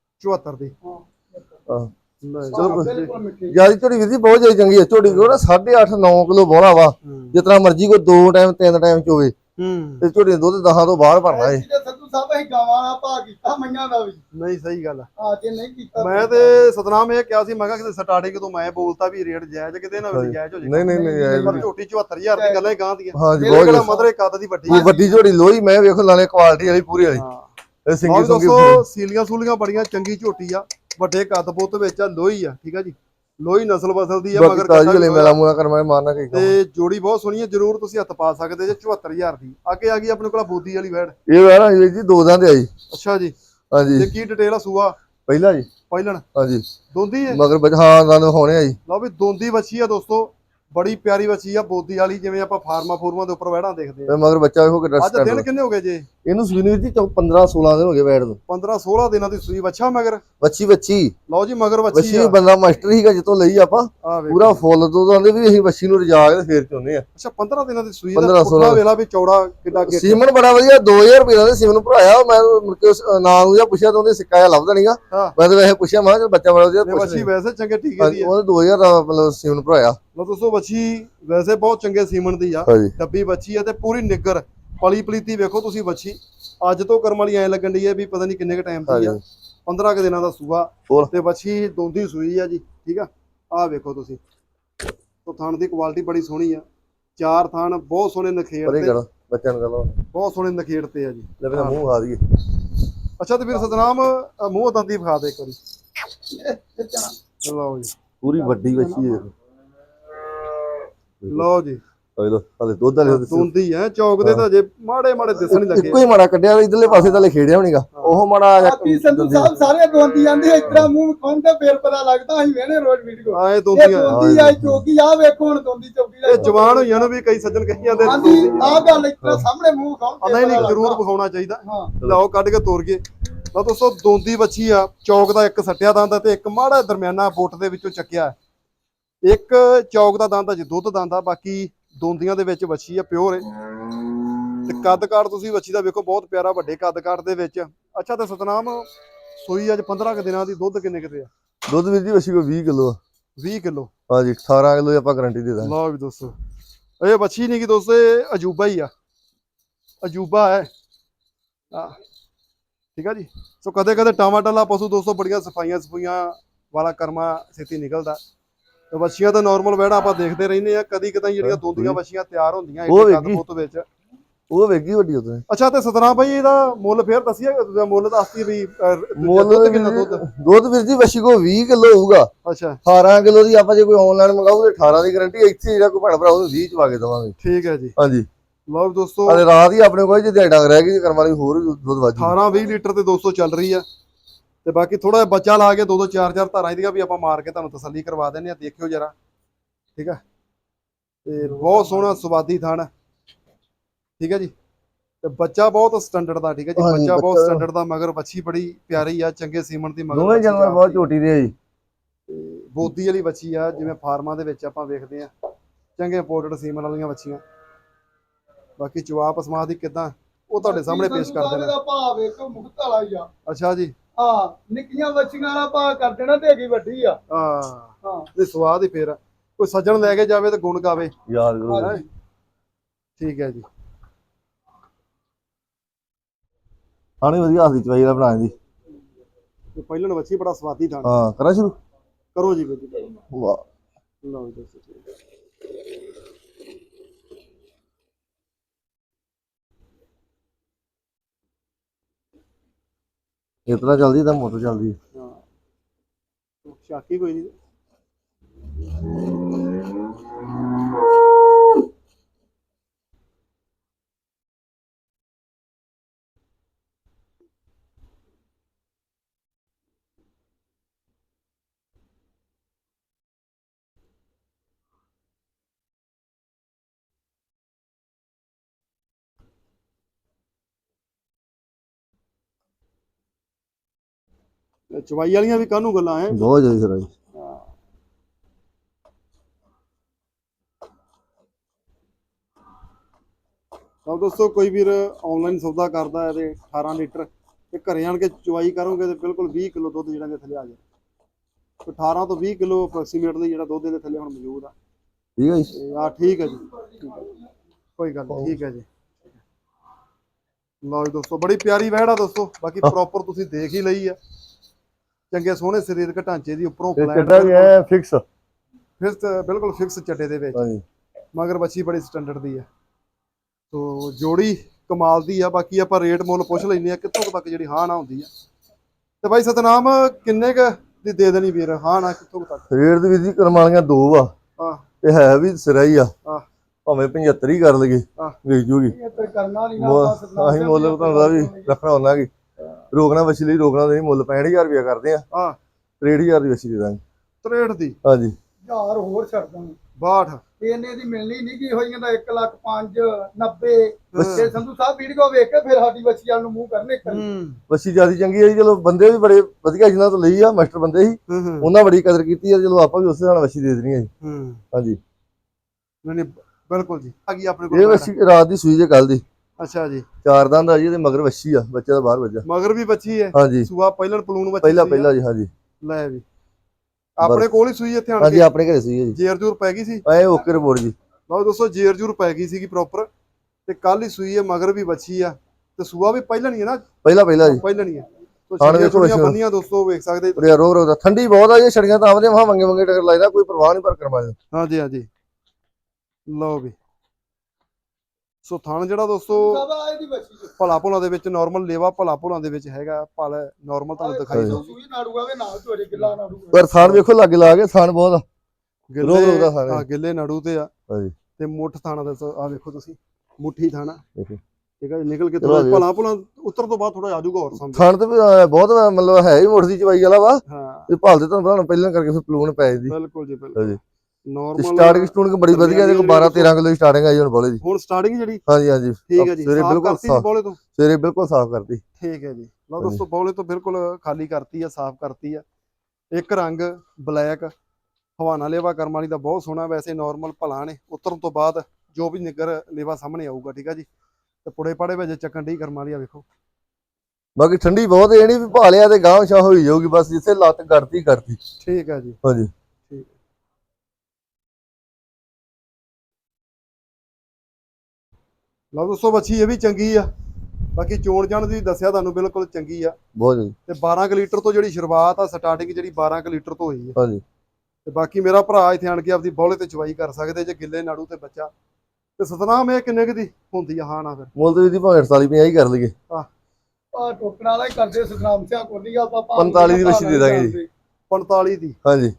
A: 74 ਦੀ।
C: ਹਾਂ
B: ਹਾਂ
A: ਚਲੋ
C: ਬਿਲਕੁਲ ਮਿੱਠੀ।
B: ਜਿਆਦਾ ਝੋਟੀ ਵੀਰ ਜੀ ਬਹੁਤ ਜ਼ਿਆਦਾ ਚੰਗੀ ਹੈ। ਝੋਟੀ ਕੋਲ ਨਾ 8.5-9 ਕਿਲੋ ਬੋਲਾ ਵਾ, ਜਿਤਨਾ ਮਰਜੀ ਕੋਈ 2 ਟਾਈਮ 3 ਟਾਈਮ ਚੋਵੇ ਤੇ ਝੋਟੀ ਦੁੱਧ 10 ਤੋਂ ਬਾਹਰ ਭਰਨਾ ਏ।
C: ਸੰਧੂ ਸਾਹਿਬ ਅਸੀਂ ਗਾਵਾਂ ਦਾ ਭਾਅ ਕੀਤਾ, ਮਈਆਂ ਦਾ ਵੀ।
A: ਨਹੀਂ ਸਹੀ ਗੱਲ ਆ।
C: ਹਾਂ ਜੇ ਨਹੀਂ ਕੀਤਾ
A: ਮੈਂ ਤੇ ਸਤਨਾਮ ਇਹ ਕਿਹਾ ਸੀ, ਮੈਂ ਕਿਹਾ ਕਿਤੇ ਸਟਾਰਟਿੰਗ ਤੋਂ ਮੈਂ ਬੋਲਤਾ ਵੀ ਰੇਟ ਜਾਇਜ਼, ਕਿਤੇ ਨਾ
B: ਹਾਂਜੀ।
A: ਜਾਇਜ਼ ਹੋ ਜਾਏ।
B: ਨਹੀਂ
A: ਪਰ ਝੋਟੀ 74,000 ਦੀ ਗੱਲਾਂ ਹੀ ਗਾਂ ਦੀਆਂ।
B: ਹਾਂਜੀ
A: ਇਹ
B: ਬਹੁਤ
A: ਕਿਹੜਾ
B: ਜ਼ਿਆਦਾ।
A: ਮਦਰੇ ਕੱਦ ਦੀ ਵੱਡੀ
B: ਉਹ ਵੱਡੀ ਝੋਟੀ ਲੋਹੀ ਮੈਂ ਵੇਖੋ ਨਾਲੇ ਕੁਆਲਿਟੀ ਵਾਲੀ ਪੂਰੀ ਵਾਲੀ।
A: ਹਾਂ
B: ਇਹ ਸਿੰਗੀ
A: ਆਹ
B: ਸੁੰਗੀ
A: ਦੋਸਤੋ ਸੀਲੀਆਂ ਸੂਲੀਆਂ ਬੜੀਆਂ ਚੰਗੀ ਝੋਟੀ ਆ, ਵੱਡੇ ਕੱਦ ਪੁੱਤ ਵਿੱਚ ਆ, ਲੋਹੀ ਆ। ਠੀਕ ਆ ਜੀ। ਲੋਹੀ ਨਸਲ ਬਸਲ ਦੀ ਆ,
B: ਬਾਕੀ
A: ਮਗਰ
B: ਤਾਜੀ
A: ਕੱਟਾ
B: ਵਾਲੇ ਮੇਲਾ ਮੂਲਾ ਕਰਨਾ ਮਾਰਨਾ ਕਿ
A: ਤੇ ਜੋੜੀ ਬਹੁਤ ਸੋਹਣੀ ਹੈ। ਜਰੂਰ ਤੁਸੀਂ ਹੱਥ ਪਾ ਸਕਦੇ ਜੇ। 74,000 ਦੀ। ਅੱਗੇ ਆ ਗਈ ਆਪਣੇ ਕੋਲ ਬੋਦੀ ਵਾਲੀ ਵੈੜ।
B: ਇਹ ਵੈਣਾ ਜੀ 2 ਦਿਨ ਦੇ ਆਈ।
A: ਅੱਛਾ ਜੀ।
B: ਹਾਂਜੀ
A: ਤੇ ਕੀ ਡਿਟੇਲ ਆ? ਸੂਆ
B: ਪਹਿਲਾ ਜੀ।
A: ਪਹਿਲਣ
B: ਹਾਂਜੀ
A: ਦੋਂਦੀ ਹੈ।
B: ਮਗਰ ਹਾਂ ਦੰਦ ਹੋਣੇ ਆ ਜੀ।
A: ਲਓ ਵੀ ਦੋਂਦੀ ਵੱਛੀ ਆ ਦੋਸਤੋ, ਬੜੀ ਪਿਆਰੀ ਵੱਛੀ ਆ ਬੋਦੀ ਵਾਲੀ, ਜਿਵੇਂ ਆਪਾਂ ਫਾਰਮਾਂ ਫੂਰਮਾਂ ਦੇ ਉੱਪਰ ਵੈੜਾਂ ਦੇਖਦੇ
B: ਤੇ
A: ਆ।
B: ਮਗਰ ਬੱਚਾ ਵੇਖੋ ਕਿੱਡਾ
A: ਅੱਜ ਦਿਨ ਕਿੰਨੇ ਹੋ ਗਏ ਜੇ?
B: ਇਹਨੂੰ ਸਵੀਨੀ ਜੀ 15-16 ਦਿਨ ਹੋ ਗਏ ਬੈਠ ਨੂੰ।
A: 15-16 ਦਿਨਾਂ ਦੀ ਸੂਈ ਵੱਛਾ ਮਗਰ।
B: ਵੱਛੀ
A: ਲਓ ਜੀ ਮਗਰ ਵੱਛੀ
B: ਵੱਛੀ
A: ਆ।
B: ਬੰਦਾ ਮਾਸਟਰ ਹੀਗਾ ਜਿੱਤੋਂ ਲਈ ਆਪਾਂ
A: ਆ ਵੇਖੋ।
B: ਪੂਰਾ ਫੁੱਲ ਦੁੱਧ ਆਂਦੇ ਵੀ ਅਸੀਂ ਵੱਛੀ ਨੂੰ ਰਜਾ ਕੇ ਫੇਰ ਚੋਨੇ ਆ।
A: ਅੱਛਾ 15 ਦਿਨਾਂ ਦੀ ਸੂਈ
B: 15
A: ਦਾ
B: 16
A: ਪੁੱਠਾ ਵੇਲਾ ਵੀ ਚੌੜਾ ਕਿੱਡਾ ਗਿਆ।
B: ਸੀਮਨ ਬੜਾ ਵਧੀਆ 2000 ਰੁਪਏ ਦਾ ਸੀਮਨ ਭਰਾਇਆ। ਮੈਂ ਮੁੜ ਕੇ ਨਾਂ ਨੂੰ ਜਾਂ ਪੁੱਛਿਆ ਤਾਂ ਉਹਦੇ ਸਿੱਕਾ ਜਿਹਾ ਲੱਭਦਾ ਨਹੀਂਗਾ।
A: ਹਾਂ।
B: ਮੈਂ ਤਾਂ ਵੈਸੇ ਪੁੱਛਿਆ ਮੈਂ ਕਿਹਾ ਬੱਚਾ ਬੜਾ ਵਧੀਆ ਪੁੱਛ
A: ਵੱਛੀ ਵੈਸੇ ਚੰਗੇ ਟੀਕੇ ਦੀ ਆ।
B: ਉਹਨੇ 2000 ਦਾ ਮਤਲਬ ਸੀਮਨ ਭਰਾਇਆ।
A: ਲਓ ਦੋਸਤੋ ਵੱਛੀ ਵੈਸੇ ਬਹੁਤ ਚੰਗੇ ਸੀਮਨ ਦੀ ਆ।
B: ਹਾਂਜੀ
A: ਡੱਬੀ ਵੱਛੀ ਆ ਤੇ ਪੂਰੀ ਨਿੱਗਰ ਪਲੀ ਪਲੀਤੀ ਵੇਖੋ ਤੁਸੀਂ ਵੱਛੀ। ਅੱਜ ਤੋਂ ਕਰਮ ਵਾਲੀ ਐ ਲੱਗਣ ਦੀ ਹੈ ਵੀ ਪਤਾ ਨਹੀਂ ਕਿੰਨੇ ਕ ਟਾਈਮ ਦੀ ਆ। 15 ਕ ਦਿਨਾਂ ਦਾ ਸੂਆ
B: ਹੋਰ
A: ਤੇ ਵੱਛੀ ਦੋਂਦੀ ਸੂਈ ਆ ਜੀ। ਠੀਕ ਆ। ਆਹ ਵੇਖੋ ਤੁਸੀਂ ਤੋਂ ਥਣ ਦੀ ਕੁਆਲਿਟੀ ਬੜੀ ਸੋਹਣੀ ਆ। 4 ਥਣ ਬਹੁਤ ਸੋਹਣੇ ਨਖੇੜ
B: ਪਰੇ
A: ਤੇ
B: ਕਰ ਬੱਚਿਆਂ ਨੂੰ ਗੱਲ
A: ਬਹੁਤ ਸੋਹਣੇ ਨਖੇੜ ਤੇ ਆ ਜੀ।
B: ਲੈ ਮੇਰਾ ਮੂੰਹ ਆ ਦਈਏ।
A: ਅੱਛਾ ਤੇ ਵੀਰ ਸਤਨਾਮ ਮੂੰਹ ਦੰਦੀ ਵਿਖਾ ਦੇ ਇੱਕ ਵਾਰੀ। ਲਓ ਜੀ।
B: ਪੂਰੀ ਵੱਡੀ ਵੱਛੀ ਹੈ।
A: ਲਓ ਜੀ।
B: ਲੋ ਹਲੇ ਦੁੱਧ ਵਾਲੇ
A: ਦੋਂਦੀ ਐ ਚੌਕ ਦੇ ਤਾਂ ਜੇ ਮਾੜੇ ਮਾੜੇ ਦਿਸਣ ਹੀ ਲੱਗੇ।
B: ਇੱਕੋ ਹੀ ਮਾੜਾ ਕੱਢਿਆ ਇਧਰਲੇ ਪਾਸੇ ਤਾਂ ਖੇੜਿਆ ਹੋਣੀਗਾ। ਉਹ ਮਾੜਾ
C: ਬਾਕੀ ਸੰਧੂ ਸਾਹਿਬ ਸਾਰੇ ਦੋਂਦੀ ਜਾਂਦੇ ਇਤਰਾ ਮੂੰਹ ਖਾਂਦੇ ਫੇਰ ਪਤਾ ਲੱਗਦਾ ਅਸੀਂ ਵੇਣੇ ਰੋਜ਼ ਵੀਡੀਓ।
A: ਆਏ
C: ਇਹ
A: ਦੋਂਦੀਆਂ
C: ਦੋਂਦੀ ਆ ਚੌਕੀ ਆ ਵੇਖੋ ਹੁਣ ਦੋਂਦੀ ਚੌਕੀ ਦਾ।
A: ਇਹ ਜਵਾਨ ਹੋਈਆਂ ਨੂੰ ਵੀ ਕਈ ਸੱਜਣ ਕਹੀ ਜਾਂਦੇ
C: ਹਾਂਜੀ ਆਹ ਗੱਲ ਇਤਰਾ ਸਾਹਮਣੇ ਮੂੰਹ ਖਾਂਦੇ।
A: ਨਹੀਂ ਨਹੀਂ ਜ਼ਰੂਰ ਵਿਖਾਉਣਾ ਚਾਹੀਦਾ।
C: ਹਾਂ
A: ਲਓ ਕੱਢ ਕੇ ਤੋਰ ਕੇ। ਤਾਂ ਦੋਸਤੋ ਦੋਂਦੀ ਵੱਛੀ ਆ, ਚੌਕ ਦਾ ਇੱਕ ਸੱਟਿਆ ਦੰਦ ਤੇ ਇੱਕ ਮਾੜਾ ਦਰਮਿਆਨਾ ਬੁੱਟ ਦੇ ਵਿੱਚੋਂ ਚੱਕਿਆ। ਇੱਕ ਚੌਕ ਦਾ ਦੰਦ ਆ ਜੀ, ਦੁੱਧ ਦੰਦ ਆ, ਬਾਕੀ ਦੋਂਦੀਆਂ ਦੇ ਵਿੱਚ ਵੱਛੀ ਆ ਪਿਓਰ ਏ। ਤੇ ਕੱਦ ਕਾਠ ਤੁਸੀਂ ਵੱਛੀ ਦਾ ਵੇਖੋ ਬਹੁਤ ਪਿਆਰਾ ਵੱਡੇ ਕੱਦ ਕਾਠ ਦੇ ਵਿੱਚ। ਅੱਛਾ ਤੇ ਸਤਨਾਮ ਸੂਈ ਅੱਜ 15 ਕ ਦਿਨਾਂ ਦੀ, ਦੁੱਧ ਕਿੰਨੇ ਕਿਤੇ ਆ?
B: ਦੁੱਧ ਵੀਰ ਜੀ ਵੱਛੀ ਕੋ 20 ਕਿਲੋ ਆ।
A: 20 ਕਿਲੋ।
B: ਹਾਂਜੀ 18 ਕਿਲੋ ਆਪਾਂ ਗਾਰੰਟੀ ਦੇ ਦਾਂਗੇ।
A: ਲਓ ਵੀ ਦੋਸਤੋ ਇਹ ਵੱਛੀ ਨਹੀਂ ਕਿ ਦੋਸਤੋ ਇਹ ਅਜੂਬਾ ਹੀ ਆ। ਅਜੂਬਾ ਹੈ ਆ। ਠੀਕ ਆ ਜੀ। ਸੋ ਕਦੇ ਕਦੇ ਟਾਲਾ ਪਸ਼ੂ ਦੋਸਤੋ ਬੜੀਆਂ ਸਫਾਈਆਂ ਵਾਲਾ ਕਰਮਾ ਛੇਤੀ ਨਿਕਲਦਾ। ਤੇ ਵੱਛੀਆਂ ਤਾਂ ਨਾਰਮਲ ਵੈੜਾ ਆਪਾਂ ਦੇਖਦੇ ਰਹਿੰਦੇ ਆ। ਕਦੀ ਕਦਾਈ ਜਿਹੜੀਆਂ ਦੋਂਦੀਆਂ ਵੱਛੀਆਂ ਤਿਆਰ ਹੁੰਦੀਆਂ ਇੱਕ ਕੱਦ ਪੁੱਤ ਵਿੱਚ।
B: ਉਹ ਵੇਗੀ ਵੱਡੀ ਉਦੋਂ।
A: ਅੱਛਾ ਤੇ ਸਤਨਾਮ ਭਾਈ ਇਹਦਾ ਮੁੱਲ ਫੇਰ ਦੱਸੀਏ। ਮੁੱਲ ਦੱਸਦੀ ਵੀ
B: ਮੁੱਲ
A: ਦੁੱਧ ਕਿੰਨਾ ਦੁੱਧ?
B: ਦੁੱਧ ਵੀਰ ਜੀ ਵੱਛੀ ਕੋ 20 ਕਿਲੋ ਹੋਊਗਾ।
A: ਅੱਛਾ
B: 18 ਕਿਲੋ ਦੀ ਆਪਾਂ ਜੇ ਕੋਈ ਆਨਲਾਈਨ ਮੰਗਾਊ ਤੇ 18 ਦੀ ਗਾਰੰਟੀ। ਇੱਥੇ ਜਿਹੜਾ ਕੋਈ ਭੈਣ ਭਰਾ ਉਹਨੂੰ 20 ਚਵਾ ਕੇ ਦੇਵਾਂਗੇ।
A: ਠੀਕ ਹੈ ਜੀ।
B: ਹਾਂਜੀ
A: ਲਓ ਦੋਸਤੋ
B: ਹਲੇ ਰਾਤ ਹੀ ਆਪਣੇ ਕੋਲ ਜੇ ਡੰਗ ਰਹਿ ਗਈ ਕਰਮ ਵਾਲੀ ਹੋਰ ਦੁੱਧ ਵਾਜੀ
A: 18-20 ਲੀਟਰ ਤੇ 200 ਚੱਲ ਰਹੀ ਆ। ਤੇ ਬਾਕੀ ਥੋੜਾ ਬੱਚਾ ਲਾ ਕੇ 2-2 4-4 ਧਾਰਾਂ ਇਹਦੀਆਂ ਵੀ ਆਪਾਂ ਮਾਰ ਕੇ ਤੁਹਾਨੂੰ ਤਸੱਲੀ ਕਰਵਾ ਦਿੰਦੇ ਆ। ਦੇਖਿਓ ਜਰਾ। ਠੀਕ ਆ। ਤੇ ਬਹੁਤ ਸੋਹਣਾ ਸਵਾਦੀ ਥਣ, ਠੀਕ ਹੈ ਜੀ। ਤੇ ਬੱਚਾ ਬਹੁਤ ਸਟੈਂਡਰਡ ਦਾ, ਠੀਕ ਹੈ ਜੀ।
B: ਹਾਂਜੀ,
A: ਬੱਚਾ ਬਹੁਤ
B: ਬੱਚਾ-
A: ਸਟੈਂਡਰਡ ਦਾ, ਮਗਰ ਵੱਛੀ ਬੜੀ ਪਿਆਰੀ ਆ, ਚੰਗੇ ਸੀਮਨ ਦੀ ਮਗਰ
B: ਦੋਵੇਂ
A: ਵੱਛੀ
B: ਜਾਨਵਰ ਬਹੁਤ
A: ਜਾਪਦੀ ਆ।
B: ਝੋਟੀ ਦੇ ਆ ਜੀ।
A: ਤੇ ਬੋਦੀ ਵਾਲੀ ਵੱਛੀ ਆ, ਜਿਵੇਂ ਫਾਰਮਾਂ ਦੇ ਵਿੱਚ ਆਪਾਂ ਵੇਖਦੇ ਆ, ਚੰਗੇ ਇੰਪੋਰਟਡ ਸੀਮਨ ਵਾਲੀਆਂ ਵੱਛੀਆਂ। ਬਾਕੀ ਜਵਾਬ ਅਸਮਾਤ ਦੀ ਕਿਦਾਂ ਉਹ ਤੁਹਾਡੇ ਸਾਹਮਣੇ ਪੇਸ਼ ਕਰ ਦੇਣਾ।
C: ਦਾ ਭਾਅ ਵੇਖੋ ਮੁਕਤ ਵਾਲਾ ਹੀ ਆ।
A: ਅੱਛਾ ਜੀ।
C: ਹਾਂ, ਨਿੱਕੀਆਂ ਬੱਚੀਆਂ ਵਾਲਾ ਭਾਅ ਕਰ ਦੇਣਾ ਤੇ ਹੈਗੀ ਵੱਡੀ ਆ।
A: ਹਾਂ ਤੇ ਸਵਾਦ ਹੀ ਫੇਰ ਕੋਈ ਸੱਜਣ ਲੈ ਕੇ ਜਾਵੇ ਤੇ ਗੁਣ ਗਾਵੇ।
B: ਯਾਦ ਕਰੋ।
C: ਹਾਂਜੀ।
A: ਠੀਕ ਹੈ ਜੀ।
B: ਖਾਣੀ ਵਧੀਆ ਹੱਥ ਦੀ ਚਵਾਈ ਦਾ ਬਣਾ ਦੀ।
A: ਤੇ ਪਹਿਲਾਂ ਵੱਛੀ ਬੜਾ ਸਵਾਦੀ ਥਾਣਾ।
B: ਹਾਂ, ਕਰਾਂ ਸ਼ੁਰੂ।
A: ਕਰੋ ਜੀ ਵੀਰ ਜੀ।
B: ਵਾਹ,
A: ਲਓ ਜੀ ਦੱਸੋ।
B: ਇਤਨਾ ਜਲਦੀ ਤਾਂ ਮੋਟਰ ਚੱਲਦੀ।
A: ਹਾਂ, ਸ਼ਾਕੀ ਕੋਈ ਨਹੀਂ। ਚਵਾਈ ਵਾਲੀਆਂ ਵੀ ਕਾਹਨੂੰ ਗੱਲਾਂ ਹੈ।
B: ਬਹੁਤ ਜਲਦੀ ਸਰ ਜੀ।
A: ਤਾਂ ਦੋਸਤੋ ਕੋਈ ਵੀਰ ਆਨਲਾਈਨ ਸੌਦਾ ਕਰਦਾ ਹੈ ਤੇ 18 ਲੀਟਰ ਤੇ ਘਰੇ ਆਣ ਕੇ ਚਵਾਈ ਕਰੋਗੇ ਤੇ ਬਿਲਕੁਲ 20 ਕਿਲੋ ਦੁੱਧ ਜਿਹੜਾ ਦੇ ਥੱਲੇ ਆ ਜਾਏ। 18 ਤੋਂ 20 ਕਿਲੋ ਅਪਰੋਕਸੀਮੇਟਲੀ ਜਿਹੜਾ ਦੁੱਧ ਦੇ ਥੱਲੇ ਹੁਣ ਮੌਜੂਦ ਆ।
B: ਠੀਕ ਹੈ ਜੀ।
A: ਆ ਠੀਕ ਹੈ ਜੀ, ਕੋਈ ਗੱਲ ਨਹੀਂ, ਠੀਕ ਹੈ ਜੀ। ਲਓ ਜੀ ਦੋਸਤੋ, ਬੜੀ ਪਿਆਰੀ ਵਹਿੜ ਆ ਦੋਸਤੋ। ਬਾਕੀ ਪ੍ਰੋਪਰ ਤੁਸੀਂ ਦੇਖ ਹੀ ਲਈ ਆ, ਚੰਗੇ ਸੋਹਣੇ ਸਰੀਰਕ ਢਾਂਚੇ ਦੀ, ਉੱਪਰੋਂ
B: ਤੇ
A: ਫਲੈਟ
B: ਚੱਡਾ ਵੀ ਐ ਫਿਕਸ।
A: ਬਿਲਕੁਲ ਫਿਕਸ ਚੱਡੇ ਦੇ ਵਿੱਚ,
B: ਹਾਂਜੀ।
A: ਮਗਰ ਵੱਛੀ ਬੜੀ ਸਟੈਂਡਰਡ ਦੀ ਆ। ਤੋ ਜੋੜੀ ਕਮਾਲ ਦੀ ਆ। ਬਾਕੀ ਆਪਾਂ ਰੇਟ ਮੁੱਲ ਪੁੱਛ ਲੈਂਦੇ ਆ ਕਿੱਥੋਂ ਤੱਕ ਜਿਹੜੀ ਹਾਂ ਨਾ ਹੁੰਦੀ ਆ। ਤੇ ਬਾਈ ਸਤਨਾਮ ਕਿੰਨੇ ਕ ਦੀ ਦੇ ਦੇਣੀ ਵੀਰ ਹਾਂ ਨਾ ਕਿੱਥੋਂ ਤੱਕ?
B: ਰੇਟ ਦੀ ਵਿਧੀ ਕਰਮ ਵਾਲੀਆਂ ਦੋ ਆ
A: ਹਾਂ
B: ਤੇ ਹੈ ਵੀ ਸਿਰਾ ਹੀ ਆ।
A: ਹਾਂ
B: ਭਾਵੇਂ 75 ਹੀ ਕਰ ਲਈਏ
A: ਹਾਂ
B: ਵੇਚ ਜੂਗੀ।
C: ਇਹ ਤੇ ਕਰਨਾ ਨਹੀਂ ਨਾ
B: ਅਸੀਂ ਮੁੱਲ ਤੁਹਾਨੂੰ ਦਾ ਵੀ ਰੱਖਣਾ ਹੁੰਦਾ ਕਿ ਰੋਕਣਾ ਵਛੀ ਲਈ ਰੋਕਣਾ ਨਹੀਂ। ਮੁੱਲ 65000 ਰੁਪਇਆ ਕਰਦੇ ਆ।
A: ਹਾਂ
B: 63000 ਦੀ ਵਛੀ ਦੇ ਦਾਂਗੇ।
A: 63 ਦੀ।
B: ਹਾਂਜੀ।
C: ਯਾਰ ਹੋਰ ਛੱਡ ਦਾਂਗੇ।
A: 62
C: ਇਹਨੇ ਦੀ ਮਿਲਣੀ ਨਹੀਂ ਕੀ ਹੋਈ ਜਾਂਦਾ 1,05,90 ਤੇ ਸੰਧੂ ਸਾਹਿਬ ਵੀਡੀਓ ਵੇਖ ਕੇ ਫਿਰ ਸਾਡੀ ਬੱਚੀ ਵਾਲ ਨੂੰ ਮੂੰਹ ਕਰਨੇ ਕਰੀ।
B: ਵਛੀ ਜਿਆਦਾ ਚੰਗੀ ਹੈ ਜੀ। ਚਲੋ ਬੰਦੇ ਵੀ ਬੜੇ ਵਧੀਆ ਜਿਨ੍ਹਾਂ ਤੋਂ ਲਈ ਆ, ਮਾਸਟਰ ਬੰਦੇ ਸੀ, ਉਹਨਾਂ ਬੜੀ ਕਦਰ ਕੀਤੀ ਆ। ਚਲੋ ਆਪਾਂ ਵੀ ਉਸੇ ਨਾਲ ਵਛੀ ਦੇ ਦੇਣੀ ਹੈ ਜੀ। ਹਾਂਜੀ।
A: ਨਹੀਂ ਬਿਲਕੁਲ ਜੀ। ਆ ਗਈ ਆਪਣੇ ਕੋਲ
B: ਇਹ ਵਛੀ ਰਾਤ ਦੀ ਸੂਈ ਜੇ ਕੱਲ ਦੀ।
A: ਅੱਛਾ ਜੀ।
B: 4 ਦੰਦ ਆ ਜੀ ਇਹਦੇ ਮਗਰ ਵੱਛੀ ਆ, ਬੱਚੇ ਦਾ ਬਾਹਰ ਵੱਜਾ।
A: ਮਗਰ ਵੀ ਬੱਚੀ ਹੈ।
B: ਹਾਂਜੀ।
A: ਸੂਆ ਪਹਿਲਾਂ ਪਲੂਣ ਬੱਚੀ
B: ਪਹਿਲਾਂ ਜੀ। ਹਾਂਜੀ।
A: ਲੈ ਵੀ ਆਪਣੇ ਕੋਲ ਹੀ ਸੂਈ ਇੱਥੇ ਆਣ
B: ਹਾਂਜੀ,
A: ਕੇ
B: ਆਪਣੇ ਘਰੇ ਸੂਈ ਹੈ ਜੀ।
A: ਜੇਰ ਜੂਰ ਪੈ ਗਈ ਸੀ।
B: ਐ ਓਕੇ ਰਿਪੋਰਟ ਜੀ।
A: ਲਓ ਦੋਸਤੋ, ਜੇਰ ਜੂਰ ਪੈ ਗਈ ਸੀਗੀ ਪ੍ਰੋਪਰ ਤੇ ਕੱਲ ਹੀ ਸੂਈ ਹੈ, ਮਗਰ ਵੀ ਬੱਚੀ ਆ ਤੇ ਸੂਆ ਵੀ ਪਹਿਲਾਂ ਨਹੀਂ ਹੈ ਨਾ।
B: ਪਹਿਲਾਂ ਜੀ।
A: ਪਹਿਲਾਂ ਨਹੀਂ ਹੈ।
B: ਖਾਣ ਵੇਖੋ
A: ਬੰਨੀਆਂ ਦੋਸਤੋ ਵੇਖ ਸਕਦੇ।
B: ਰੋ ਰੋ ਦਾ ਠੰਡੀ ਬਹੁਤ ਆ ਜੀ। ਛੜੀਆਂ ਤਾਂ ਆਵਦੇ ਮਹਾ ਮੰਗੇ ਟੱਕਰ ਲਾਇਦਾ, ਕੋਈ ਪਰਵਾਹ ਨਹੀਂ ਪਰ ਕਰਵਾ ਦੇ।
A: ਹਾਂਜੀ ਹਾਂਜੀ। ਲਓ ਵੀ ਸੋ ਥਣ ਜਿਹੜਾ ਦੋਸਤੋ ਭਲਾ ਭੁਲਾ ਦੇ ਵਿੱਚ ਨਾਰਮਲ ਲੇਵਾ ਭਲਾ ਭੁਲਾ ਦੇ ਵਿੱਚ ਹੈਗਾ। ਭਲ ਨਾਰਮਲ ਤੁਹਾਨੂੰ ਦਿਖਾਈ ਦਊਗੀ।
C: ਸੂਈ ਨਾੜੂਗਾ ਵੇ ਨਾਲ ਚੋਰੇ ਗਿੱਲਾ ਨਾੜੂਗਾ।
B: ਪਰ ਥਣ ਵੇਖੋ ਲਾਗੇ ਲਾ ਕੇ ਥਣ ਬਹੁਤ ਆ।
A: ਗਿੱਲੇ ਗਿੱਲੇ ਨੜੂ ਤੇ ਆ
B: ਹਾਂਜੀ।
A: ਤੇ ਮੁੱਠ ਥਾਣਾ ਦੱਸੋ ਆ ਵੇਖੋ ਤੁਸੀਂ, ਮੁੱਠੀ ਥਾਣਾ ਠੀਕ ਹੈ ਜੀ। ਨਿਕਲ ਕੇ
B: ਚਲੋ
A: ਭਲਾ ਭੁਲਾ ਉੱਤਰ ਤੋਂ ਬਾਅਦ ਥੋੜਾ ਆਜੂਗਾ ਹੋਰ ਸਮਝ।
B: ਥਣ ਤੇ ਬਹੁਤ ਮਤਲਬ ਹੈ ਹੀ ਮੁੱਠ ਦੀ ਚਵਾਈ ਵਾਲਾ ਵਾ।
A: ਹਾਂ
B: ਇਹ ਭਾਲਦੇ ਤੁਹਾਨੂੰ ਪਹਿਲਾਂ ਕਰਕੇ ਫਿਰ ਪਲੂਣ ਪੈ ਜਾਂਦੀ।
A: ਬਿਲਕੁਲ ਜੀ ਬਿਲਕੁਲ। ਨਾਰਮਲ
B: ਸਟਾਰਟਿੰਗ ਸਟੂਡਿੰਗ ਬੜੀ ਵਧੀਆ। ਦੇਖੋ 12-13 ਕਿਲੋ ਦੀ ਸਟਾਰਟਿੰਗ ਆਈ ਹੁਣ ਬੋਲੇ ਦੀ।
A: ਹੁਣ ਸਟਾਰਟਿੰਗ ਜਿਹੜੀ
B: ਹਾਂਜੀ।
A: ਠੀਕ ਹੈ ਜੀ।
B: ਸਵੇਰੇ ਬਿਲਕੁਲ ਸਾਫ਼
A: ਬੋਲੇ ਤੋਂ
B: ਸਵੇਰੇ ਬਿਲਕੁਲ ਸਾਫ਼ ਕਰਤੀ।
A: ਠੀਕ ਹੈ ਜੀ। ਲਓ ਦੋਸਤੋ, ਬੋਲੇ ਤੋਂ ਬਿਲਕੁਲ ਖਾਲੀ ਕਰਤੀ ਆ, ਸਾਫ਼ ਕਰਤੀ ਆ। ਇੱਕ ਰੰਗ ਬਲੈਕ ਹਵਾਨਾ ਲੇਵਾ ਕਰਮ ਵਾਲੀ ਦਾ ਬਹੁਤ ਸੋਹਣਾ। ਵੈਸੇ ਨਾਰਮਲ ਭਲਾ ਨੇ ਉਤਰਨ ਤੋਂ ਬਾਅਦ ਜੋ ਵੀ ਨਿੱਗਰ ਲੇਵਾ ਸਾਹਮਣੇ ਆਊਗਾ। ਠੀਕ ਹੈ ਜੀ। ਤੇ ਪੁੜੇ ਪਾੜੇ ਵਿੱਚ ਚੱਕਣ ਦੀ ਕਰਮ ਵਾਲੀ ਆ ਵੇਖੋ।
B: ਬਾਕੀ ਠੰਡੀ ਬਹੁਤ ਇਹ ਨਹੀਂ ਵੀ ਭਾਲਿਆ ਤੇ ਗਾਂਹ ਸ਼ਾਹ ਹੋਈ ਜਾਊਗੀ। ਬਸ ਜਿੱਥੇ ਲੱਤ ਕਰਤੀ।
A: ਠੀਕ ਹੈ ਜੀ।
B: ਹਾਂਜੀ।
A: ਠੀਕ। ਲਓ ਦੋਸਤੋ, ਬੱਚੀ ਇਹ ਵੀ ਚੰਗੀ ਆ। ਬਾਕੀ ਚੋਣ ਜਾਣ ਦੀ ਦੱਸਿਆ ਤੁਹਾਨੂੰ ਬਿਲਕੁਲ ਚੰਗੀ ਆ
B: ਬਹੁਤ ਜੀ।
A: ਤੇ 12 ਲੀਟਰ ਤੋਂ ਜਿਹੜੀ ਸ਼ੁਰੂਆਤ ਆ, ਸਟਾਰਟਿੰਗ ਜਿਹੜੀ 12 ਲੀਟਰ ਤੋਂ ਹੋਈ ਹੈ।
B: ਹਾਂਜੀ।
A: ਤੇ ਬਾਕੀ ਮੇਰਾ ਭਰਾ ਇੱਥੇ ਆਣ ਕੇ ਆਪਦੀ ਬੌਲੇ ਤੇ ਚਵਾਈ ਕਰ ਸਕਦੇ ਜੇ ਗਿੱਲੇ ਨਾੜੂ ਤੇ ਬੱਚਾ। ਤੇ ਸਤਨਾਮ ਇਹ ਕਿੰਨੇ ਕੁ ਦੀ ਹੁੰਦੀ ਆ ਹਾਂ ਨਾ ਫਿਰ?
B: ਮੁੱਲ ਤੇ ਇਹਦੀ ਭਾਵੇਂ 48-50 ਹੀ ਕਰ ਲਈਏ।
C: ਆ ਟੋਕਣ ਵਾਲਾ ਹੀ ਕਰਦੇ ਸਤਨਾਮ ਸਿਆ ਕੋਲੀ ਆਪਾਂ
B: 45 ਦੀ ਵਛੀ ਦੇ ਦਾਂਗੇ ਜੀ।
A: 45 ਦੀ।
B: ਹਾਂਜੀ।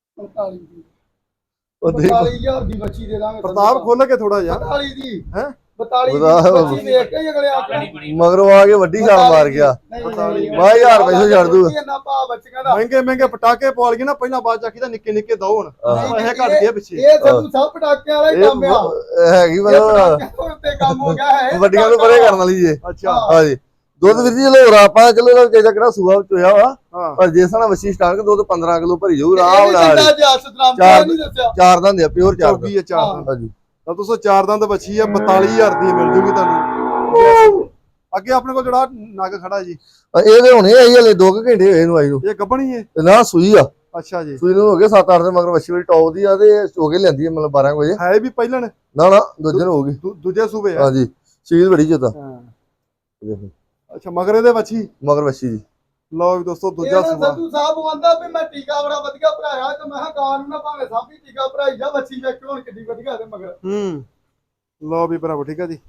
C: 45 ਦੀ।
B: ਉਹ ਦੇਖੋ
C: 45000 ਦੀ ਬੱਚੀ ਦੇ ਦਾਂਗੇ।
A: ਪ੍ਰਤਾਪ ਖੋਲ ਕੇ ਥੋੜਾ ਜਿਹਾ
C: 45 ਦੀ
A: ਹੈ
C: 42
B: ਉਹਦਾ-
C: ਬੱਚੀ ਵੇਖ ਕੇ ਹੀ ਅਗਲੇ ਆਖਣ
B: ਮਗਰੋਂ ਆ ਕੇ ਵੱਡੀ ਛਾਲ ਮਾਰ ਗਿਆ। ਮੈਂ 1000 ਰੁਪਏ ਤੋਂ ਛੱਡ ਦੂ।
C: ਇੰਨਾ ਭਾਅ ਬੱਚੀਆਂ ਦਾ
A: ਮਹਿੰਗੇ ਪਟਾਕੇ ਪਵਾਲ ਗਏ ਨਾ ਪਹਿਲਾਂ ਬਾਅਦ ਚ ਆਖੀਦਾ ਨਿੱਕੇ ਦੋ ਹੁਣ ਇਹ ਘਟ ਗਏ ਪਿੱਛੇ।
C: ਇਹ ਸੰਧੂ ਸਾਹਿਬ ਪਟਾਕਿਆਂ ਵਾਲਾ ਹੀ ਕੰਮ ਆ।
B: ਹੈਗੀ
C: ਇਹ
B: ਮਤਲਬ
C: ਪਟਾਕਿਆਂ ਉੱਤੇ ਕੰਮ ਹੋ ਗਿਆ ਹੈ
B: ਵੱਡੀਆਂ ਨੂੰ ਪਰੇ ਕਰਨ ਵਾਲੀ ਜੇ।
A: ਅੱਛਾ
B: ਹਾਂਜੀ ਦੁੱਧ ਵੀਰ ਜੀ ਚਲੋ ਆਪਾਂ ਚਲੋ ਇਹਦਾ ਵਿਚਾਰਾ ਕਿਹੜਾ ਸੂਆ ਚੋਇਆ ਵਾ
A: ਹਾਂ
B: ਪਰ ਜੇ ਸਾਡਾ ਵੱਛੀ ਸਟਾਰਟ ਕੇ ਦੁੱਧ 15 ਕਿਲੋ ਭਰੀ ਜਾਊ
C: ਇਹ
B: ਆਰਾਮ
C: ਵੀ
B: ਨਾਲ।
C: ਚੰਗਾ ਜਿਹਾ ਸਤਨਾਮ
B: ਚਾਰ-
C: ਨਹੀਂ ਦੱਸਿਆ।
B: ਚਾਰ ਦੰਦ ਆ ਪਿਓਰ ਚਾਰ ਦੰਦ।
A: ਚੌਗੀ ਆ ਚਾਰ ਦੰਦ।
B: ਹਾਂਜੀ
A: ਤਾਂ ਦੋਸਤੋ ਚਾਰ ਦੰਦ ਬੱਚੀ ਆ 42000 ਦੀ ਮਿਲ ਜੂਗੀ ਤੁਹਾਨੂੰ। ਅੱਗੇ ਆਪਣੇ ਕੋਲ ਜਿਹੜਾ ਨਗ ਖੜਾ ਜੀ
B: ਇਹਦੇ ਹੁਣੇ ਆਈ ਹਲੇ 2 ਘੰਟੇ ਹੋਏ ਇਹਨੂੰ ਆਈ ਨੂੰ।
A: ਇਹ ਗੱਭਣੀ ਹੈ।
B: ਤੇ ਨਾ ਸੂਈ ਆ
A: ਅੱਛਾ ਜੀ
B: ਸੂਈ ਨੂੰ ਹੋ ਗਏ 7-8 ਦੇ ਮਗਰ ਵੱਛੀ ਵਾਲੀ ਟੌਪ ਦੀ ਆ ਤੇ ਹੋ ਕੇ ਲੈਂਦੀ ਹੈ ਮਤਲਬ 12 ਵਜੇ।
A: ਹੈ ਵੀ ਪਹਿਲਣ
B: ਨਾ ਦੂਜੇ ਨੂੰ ਹੋਊਗੀ।
A: ਦੂਜੇ ਸੂਬੇ ਆ।
B: ਹਾਂਜੀ ਸੀਲ ਬੜੀ ਜਦਾ
A: ਹਾਂ ਅੱਛਾ ਮਗਰ ਇਹਦੇ ਬੱਚੀ
B: ਮਗਰ ਵੱਛੀ ਜੀ।
A: ਲਓ ਵੀ ਦੋਸਤੋ ਦੂਜਾ
C: ਇਹਨਾਂ
A: ਸੂਬਾ।
C: ਸੰਧੂ ਸਾਹਿਬ ਆਂਦਾ ਵੀ ਮੈਂ ਟੀਕਾ ਬੜਾ ਵਧੀਆ ਭਰਾਇਆ ਤੇ ਮੈਂ ਕਿਹਾ ਗਾਂ ਨੂੰ ਨਾ ਭਾਵੇਂ ਸਭ ਹੀ ਟੀਕਾ ਭਰਾਈ ਜਾ ਬੱਚੀ ਵੇਖ ਹੁਣ ਕਿੱਡੀ ਵਧੀਆ ਤੇ ਮਗਰ।
A: ਲਓ ਵੀ ਭਰਾਵੋ ਠੀਕ ਆ ਜੀ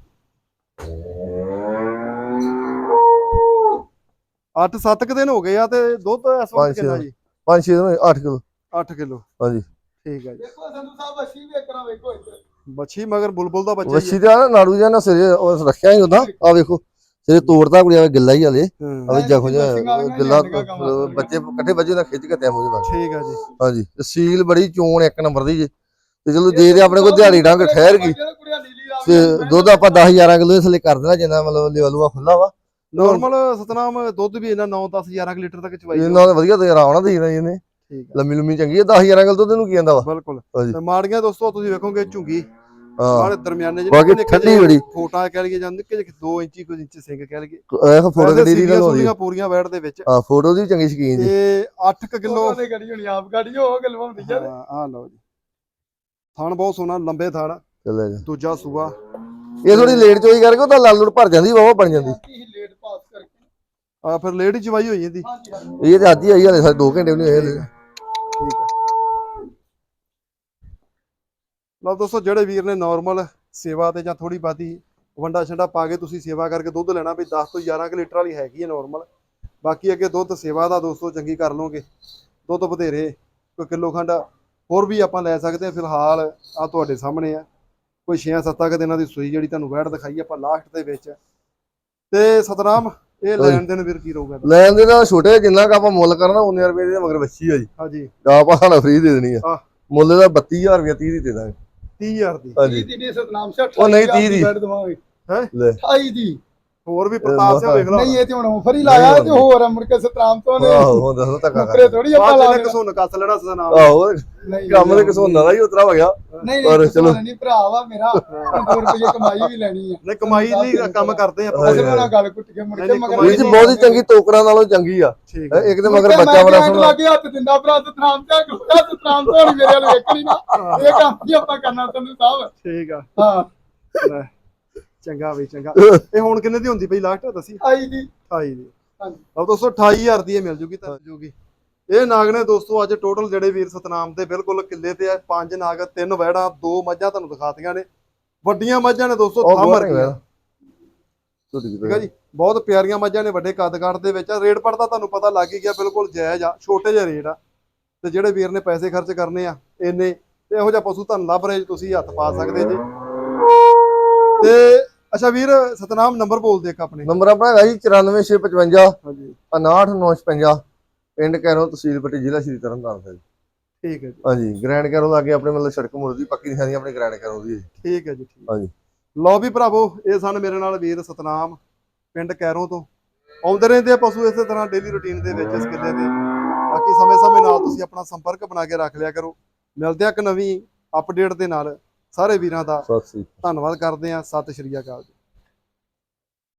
A: 8-7 ਦਿਨ ਹੋ ਗਏ ਆ ਤੇ ਦੁੱਧ ਇਸ ਵਕਤ ਕਿੰਨਾ ਜੀ
B: 5-6 ਦਿਨ 8 ਕਿਲੋ
A: 8 ਕਿਲੋ
B: ਹਾਂਜੀ।
A: ਠੀਕ ਹੈ ਜੀ।
C: ਦੇਖੋ ਸੰਧੂ ਸਾਹਿਬ ਬੱਚੀ ਵੇਖਣਾ ਵੇਖੋ ਇੱਧਰ।
A: ਬੱਚੀ ਮਗਰ ਬੁਲਬੁਲ ਦਾ ਬੱਚਾ ਹੀ
B: ਵੱਛੀ ਦਾ ਨਾ ਨਾੜੂ ਜਿਹਾ ਨਾ ਸਿਰੇ ਉਹ ਰੱਖਿਆ ਹੀ ਉਹਦਾ ਆ ਵੇਖੋ ਸਿਰੇ ਤੋੜਦਾ ਕੁੜੀਆਂ ਗਿੱਲਾ ਹੀ ਹਲੇ
A: ਹੈ।
B: ਅਵੇ ਜਖੋ ਜਿਹਾ
C: ਬੱਚੀਆਂ
B: ਗਿੱਲਾ
C: ਵਾਲੀਆਂ ਕੰਮ
B: ਬੱਚੇ ਇਕੱਠੇ ਬੱਜੇ ਨਾਲ ਖਿੱਚ ਕੇ ਤੈਮੂ ਦੇ ਬਾਅਦ
A: ਠੀਕ ਆ ਜੀ
B: ਹਾਂਜੀ ਤੇ ਸੀਲ ਬੜੀ ਚੋਣ ਇੱਕ ਨੰਬਰ ਦੀ ਜੇ ਤੇ ਚਲੋ ਜੇ ਤੇ ਆਪਣੇ ਕੋਲ ਦਿਹਾੜੀ ਡੰਗ ਠਹਿਰ ਗਈ ਤੇ ਦੁੱਧ ਆਪਾਂ 10-11 ਕਿਲੋ ਇਸ ਲਈ ਕਰ ਦੇਣਾ ਜਿੰਨਾ ਮਤਲਬ ਲੈਵਲੂਆ ਖੁੱਲਾ ਵਾ।
A: ਨਾਰਮਲ ਸਤਨਾਮ ਦੁੱਧ ਵੀ ਇਹਨਾਂ 9-10-11 ਲੀਟਰ ਤੱਕ ਚਵਾਈ ਜਾਊ।
B: ਇਹਨਾਂ ਦਾ ਵਧੀਆ ਤੇ ਆਰਾਮ ਨਾਲ ਦੇਣਾ ਇਹਨੇ
A: ਠੀਕ ਆ
B: ਲੰਮੀ ਚੰਗੀ ਹੈ 10-11 ਕਿਲੋ ਦੁੱਧ ਇਹਨੂੰ ਕੀ ਆਂਦਾ ਵਾ।
A: ਬਿਲਕੁਲ
B: ਹਾਂਜੀ।
A: ਤੇ ਮਾੜੀਆਂ ਦੋਸਤੋ ਤੁਸੀਂ ਵੇਖੋਗੇ ਝੁੰਗੀ
B: ਹਾਂ
A: ਮਾੜੇ ਦਰਮਿਆਨੇ
B: ਬਾਕੀ ਠੰਡੀ ਬੜੀ
A: ਫੋਟਾ ਕਹਿ ਲਈਏ ਜਾਂ ਨਿੱਕੇ ਜਿਹੇ 2 ਇੰਚੀ ਕੁਝ ਇੰਚ ਸਿੰਘ ਕਹਿ ਲਈਏ।
B: ਇਹ ਫੋਟੋ
A: ਵੈਸੇ
B: ਗੱਡੀ ਦੀ
A: ਸੀਰੀਆਂ
B: ਗੱਲ ਹੋ ਰਹੀ
A: ਸੂਰੀਆਂ ਪੂਰੀਆਂ ਵੈੜ ਦੇ ਵਿੱਚ
B: ਆ ਫੋਟੋ ਦੀ ਚੰਗੀ ਸ਼ਕੀਨ ਜੀ।
A: ਤੇ 8 ਕਿਲੋ
C: ਦੇ ਗੜੀ ਹੋਣੀ ਆਪ ਗੜੀ ਹੋ ਗਲਵਾਉਂਦੀ ਯਾਰ।
A: ਆ ਲਓ ਜੀ ਥਣ ਬਹੁਤ ਸੋਹਣਾ ਲੰਬੇ ਥਣ
B: ਚੱਲੇ ਜਾ
A: ਦੂਜਾ ਸੂਆ
B: ਇਹ ਥੋੜੀ ਲੇਟ ਚੋਈ ਕਰਕੇ ਉਹ ਤਾਂ ਲਾਲ ਲੂੜ ਭਰ ਜਾਂਦੀ ਵਾਵਾ ਬਣ ਜਾਂਦੀ।
C: ਲੇਟ ਪਾਸ ਕਰਕੇ
A: ਆ ਫਿਰ ਲੇਟ ਹੀ ਚਵਾਈ ਹੋਈ ਜਾਂਦੀ।
C: ਹਾਂਜੀ ਹਾਂਜੀ
B: ਇਹ ਤੇ ਅੱਜ ਹੀ ਆਈ ਹਲੇ ਸਾਡੇ 2 ਘੰਟੇ ਵੀ ਨਹੀਂ ਹੋਏ ਹਲੇ।
A: ਠੀਕ ਹੈ ਲਓ ਦੋਸਤੋ ਜਿਹੜੇ ਵੀਰ ਨੇ ਨਾਰਮਲ ਸੇਵਾ ਤੇ ਜਾਂ ਥੋੜੀ ਬਾਤੀ ਵੰਡਾ ਛੰਡਾ ਪਾ ਕੇ ਤੁਸੀਂ ਸੇਵਾ ਕਰਕੇ ਦੁੱਧ ਲੈਣਾ ਵੀ 10 ਤੋਂ 11 ਕਿ ਲੀਟਰ ਵਾਲੀ ਹੈਗੀ ਹੈ ਨਾਰਮਲ। ਬਾਕੀ ਅੱਗੇ ਦੁੱਧ ਸੇਵਾ ਦਾ ਦੋਸਤੋ ਚੰਗੀ ਕਰ ਲਓਗੇ ਦੁੱਧ ਬਥੇਰੇ ਕੋਈ ਕਿਲੋ ਖੰਡ ਹੋਰ ਵੀ ਆਪਾਂ ਲੈ ਸਕਦੇ ਹਾਂ। ਫਿਲਹਾਲ ਆ ਤੁਹਾਡੇ ਸਾਹਮਣੇ ਆ ਕੋਈ 6-7 ਕੁ ਦਿਨਾਂ ਦੀ ਸੂਈ ਜਿਹੜੀ ਤੁਹਾਨੂੰ ਵੈੜ ਦਿਖਾਈ ਆਪਾਂ ਲਾਸਟ ਦੇ ਵਿੱਚ। ਤੇ ਸਤਨਾਮ ਇਹ ਲੈਣ ਦੇਣ ਵੀਰ ਕੀ ਰਹੂਗਾ?
B: ਲੈਣ ਦੇ ਨਾਲ ਛੋਟੇ ਜਿੰਨਾ ਕ ਆਪਾਂ ਮੁੱਲ ਕਰਨਾ 19 ਰੁਪਏ ਦੇ ਮਗਰ ਵੱਛੀ ਆ ਜੀ।
A: ਹਾਂਜੀ
B: ਗਾ ਆਪਾਂ ਫ੍ਰੀ ਦੇ ਦੇਣੀ ਆ
A: ਆਹ।
B: ਮੁੱਲ ਦਾ 32000 ਰੁਪਏ 30 ਦੀ ਦੇ ਦਾਂਗੇ
A: 30000 ਦੀ
B: ਹਾਂਜੀ।
C: ਦੀ ਸਤਨਾਮ ਸੇ
B: ਉਹ ਨਹੀਂ 30 ਦੀ।
C: ਬੈਠ ਦਵਾਂਗੇ
A: ਹੈ
C: 28 ਦੀ।
A: ਹੋਰ ਵੀ ਪ੍ਰਤਾਪ ਸਿੰਘ ਵੇਖ
C: ਨਹੀਂ
A: ਲਾ
C: ਇਹ ਤੇ ਹੁਣ ਆਫਰ ਹੀ ਲਾਇਆ ਤੇ ਹੋਰ ਆ ਮੁੜ ਕੇ ਸਤਨਾਮ ਤੋਂ ਨੇ
B: ਆਹੋ ਹੁਣ ਦੱਸੋ ਧੱਕਾ
C: ਮੁਕਰੇ
B: ਕਰ
C: ਥੋੜੀ ਆਪਾਂ
A: ਬਾਅਦ
C: ਲਾ
A: ਚ
C: ਦੇਣਾ।
A: ਕਸੂਨ ਕੱਸ ਲੈਣਾ ਸਤਨਾਮ
B: ਆਹੋ
C: ਨਹੀਂ
B: ਕੰਮ ਦੇ ਕਿਸੋਂ ਦਾ ਹੀ ਉਤਰਾ ਹੋ ਗਿਆ।
C: ਨਹੀਂ
B: ਪਰ
C: ਨਹੀਂ
B: ਚਲੋ।
C: ਚਲੋ ਨਹੀਂ ਭਰਾ ਵਾ ਮੇਰਾ 2 ਰੁਪਏ ਕਮਾਈ ਵੀ ਲੈਣੀ ਆ।
A: ਨਹੀਂ ਕਮਾਈ ਲਈ ਕੰਮ ਕਰਦੇ ਆਪਾਂ
B: ਹਾਂਜੀ।
C: ਅਸਲ ਨਾਲ ਗੱਲ ਕੁੱਟ ਕੇ ਮੁੜ ਕੇ
A: ਨਹੀਂ,
C: ਮਗਰ
B: ਵੀਰ ਜੀ ਬਹੁਤ ਹੀ ਚੰਗੀ ਤੋਕਰਾਂ ਨਾਲੋਂ ਚੰਗੀ ਆ।
A: ਠੀਕ ਹੈ
B: ਇੱਕ ਤੇ ਮਗਰ ਬੱਚਾ ਬੜਾ ਸੋਹਣਾ
C: ਲੱਗੇ ਹੱਥ ਦਿੰਦਾ ਭਰਾ ਸਤਨਾਮ ਤੇ ਗੁੱਸਾ ਸਤਨਾਮ ਤੋਂ ਨਹੀਂ ਮੇਰੇ ਵਾਲੇ ਵੇਖਣੀ ਨਾ ਇਹ ਕੰਮ ਹੀ ਆਪਾਂ ਕਰਨਾ ਸੰਧੂ ਸਾਹਿਬ।
A: ਠੀਕ ਆ
C: ਹਾਂ
A: ਲੈ, ਚੰਗਾ ਬਈ ਚੰਗਾ। ਇਹ ਹੁਣ ਕਿੰਨੇ ਦੀ ਹੁੰਦੀ ਪਈ ਲਾਸਟ ਦੱਸੀ?
C: 28 ਦੀ
A: 28 ਦੀ।
C: ਹਾਂਜੀ।
A: ਆਹ ਦੋਸਤੋ 28000 ਦੀ ਇਹ ਮਿਲ ਜੂਗੀ ਤਾਂ ਜੂਗੀ। ਇਹ ਨਾਗ ਨੇ ਦੋਸਤੋ ਅੱਜ ਟੋਟਲ ਜਿਹੜੇ ਵੀਰ ਸਤਨਾਮ ਦੇ ਬਿਲਕੁਲ ਕਿੱਲੇ ਤੇ ਆ 5 ਨਾਗ 3 ਵੈੜਾਂ 2 ਮੱਝਾਂ ਤੁਹਾਨੂੰ ਦਿਖਾਤੀਆਂ ਨੇ। ਵੱਡੀਆਂ ਮੱਝਾਂ ਨੇ ਦੋਸਤੋ ਥਾਂ ਮਰ ਗਈਆਂ ਠੀਕ ਆ ਜੀ। ਬਹੁਤ ਪਿਆਰੀਆਂ ਮੱਝਾਂ ਨੇ ਵੱਡੇ ਕੱਦ ਕਾਠ ਦੇ ਵਿੱਚ ਆ। ਰੇਟ ਪੜਦਾ ਤੁਹਾਨੂੰ ਪਤਾ ਲੱਗ ਹੀ ਗਿਆ ਬਿਲਕੁਲ ਜਾਇਜ਼ ਆ ਛੋਟੇ ਜਿਹੇ ਰੇਟ ਆ। ਤੇ ਜਿਹੜੇ ਵੀਰ ਨੇ ਪੈਸੇ ਖਰਚ ਕਰਨੇ ਆ ਇੰਨੇ ਤੇ ਇਹੋ ਜਿਹਾ ਪਸ਼ੂ ਤੁਹਾਨੂੰ ਲੱਭ ਰਹੇ ਤੁਸੀਂ ਹੱਥ ਪਾ ਸਕਦੇ ਜੀ। ਤੇ ਅੱਛਾ ਵੀਰ ਸਤਨਾਮ ਨੰਬਰ ਬੋਲ ਦੇ ਇੱਕ ਆਪਣੇ।
B: ਨੰਬਰ ਆਪਣਾ ਹੈਗਾ ਜੀ 94655
A: ਹਾਂਜੀ
B: 59956 ਪਿੰਡ ਕੈਰੋਂ ਤਹਿਸੀਲ ਪੱਟੀ ਜ਼ਿਲ੍ਹਾ ਸ਼੍ਰੀ ਤਰਨਤਾਰਨ ਸਾਹਿਬ।
A: ਠੀਕ ਹੈ ਜੀ।
B: ਹਾਂਜੀ ਗ੍ਰੈਂਡ ਕੈਰੋਂ ਲਾਗੇ ਆਪਣੇ ਮਤਲਬ ਸੜਕ ਮੁੜ ਦੀ ਪੱਕੀ ਨਿਸ਼ਾਨੀ ਆਪਣੇ ਗ੍ਰੈਂਡ ਕੈਰੋਂ ਦੀ ਹੈ ਜੀ।
A: ਠੀਕ ਹੈ ਜੀ ਠੀਕ।
B: ਹਾਂਜੀ
A: ਲਓ ਵੀ ਭਰਾਵੋ ਇਹ ਸਨ ਮੇਰੇ ਨਾਲ ਵੀਰ ਸਤਨਾਮ ਪਿੰਡ ਕੈਰੋਂ ਤੋਂ। ਆਉਂਦੇ ਰਹਿੰਦੇ ਆ ਪਸ਼ੂ ਇਸੇ ਤਰ੍ਹਾਂ ਡੇਲੀ ਰੁਟੀਨ ਦੇ ਵਿੱਚ ਇਸ ਕਿੱਲੇ ਤੇ। ਬਾਕੀ ਸਮੇਂ ਨਾਲ ਤੁਸੀਂ ਆਪਣਾ ਸੰਪਰਕ ਬਣਾ ਕੇ ਰੱਖ ਲਿਆ ਕਰੋ। ਮਿਲਦੇ ਆ ਇੱਕ ਨਵੀਂ ਅਪਡੇਟ ਦੇ ਨਾਲ। ਸਾਰੇ ਵੀਰਾਂ ਦਾ
B: ਸਤਿ ਸ੍ਰੀ ਅਕਾਲ।
A: ਧੰਨਵਾਦ ਕਰਦੇ ਆ। ਸਤਿ ਸ਼੍ਰੀ ਅਕਾਲ।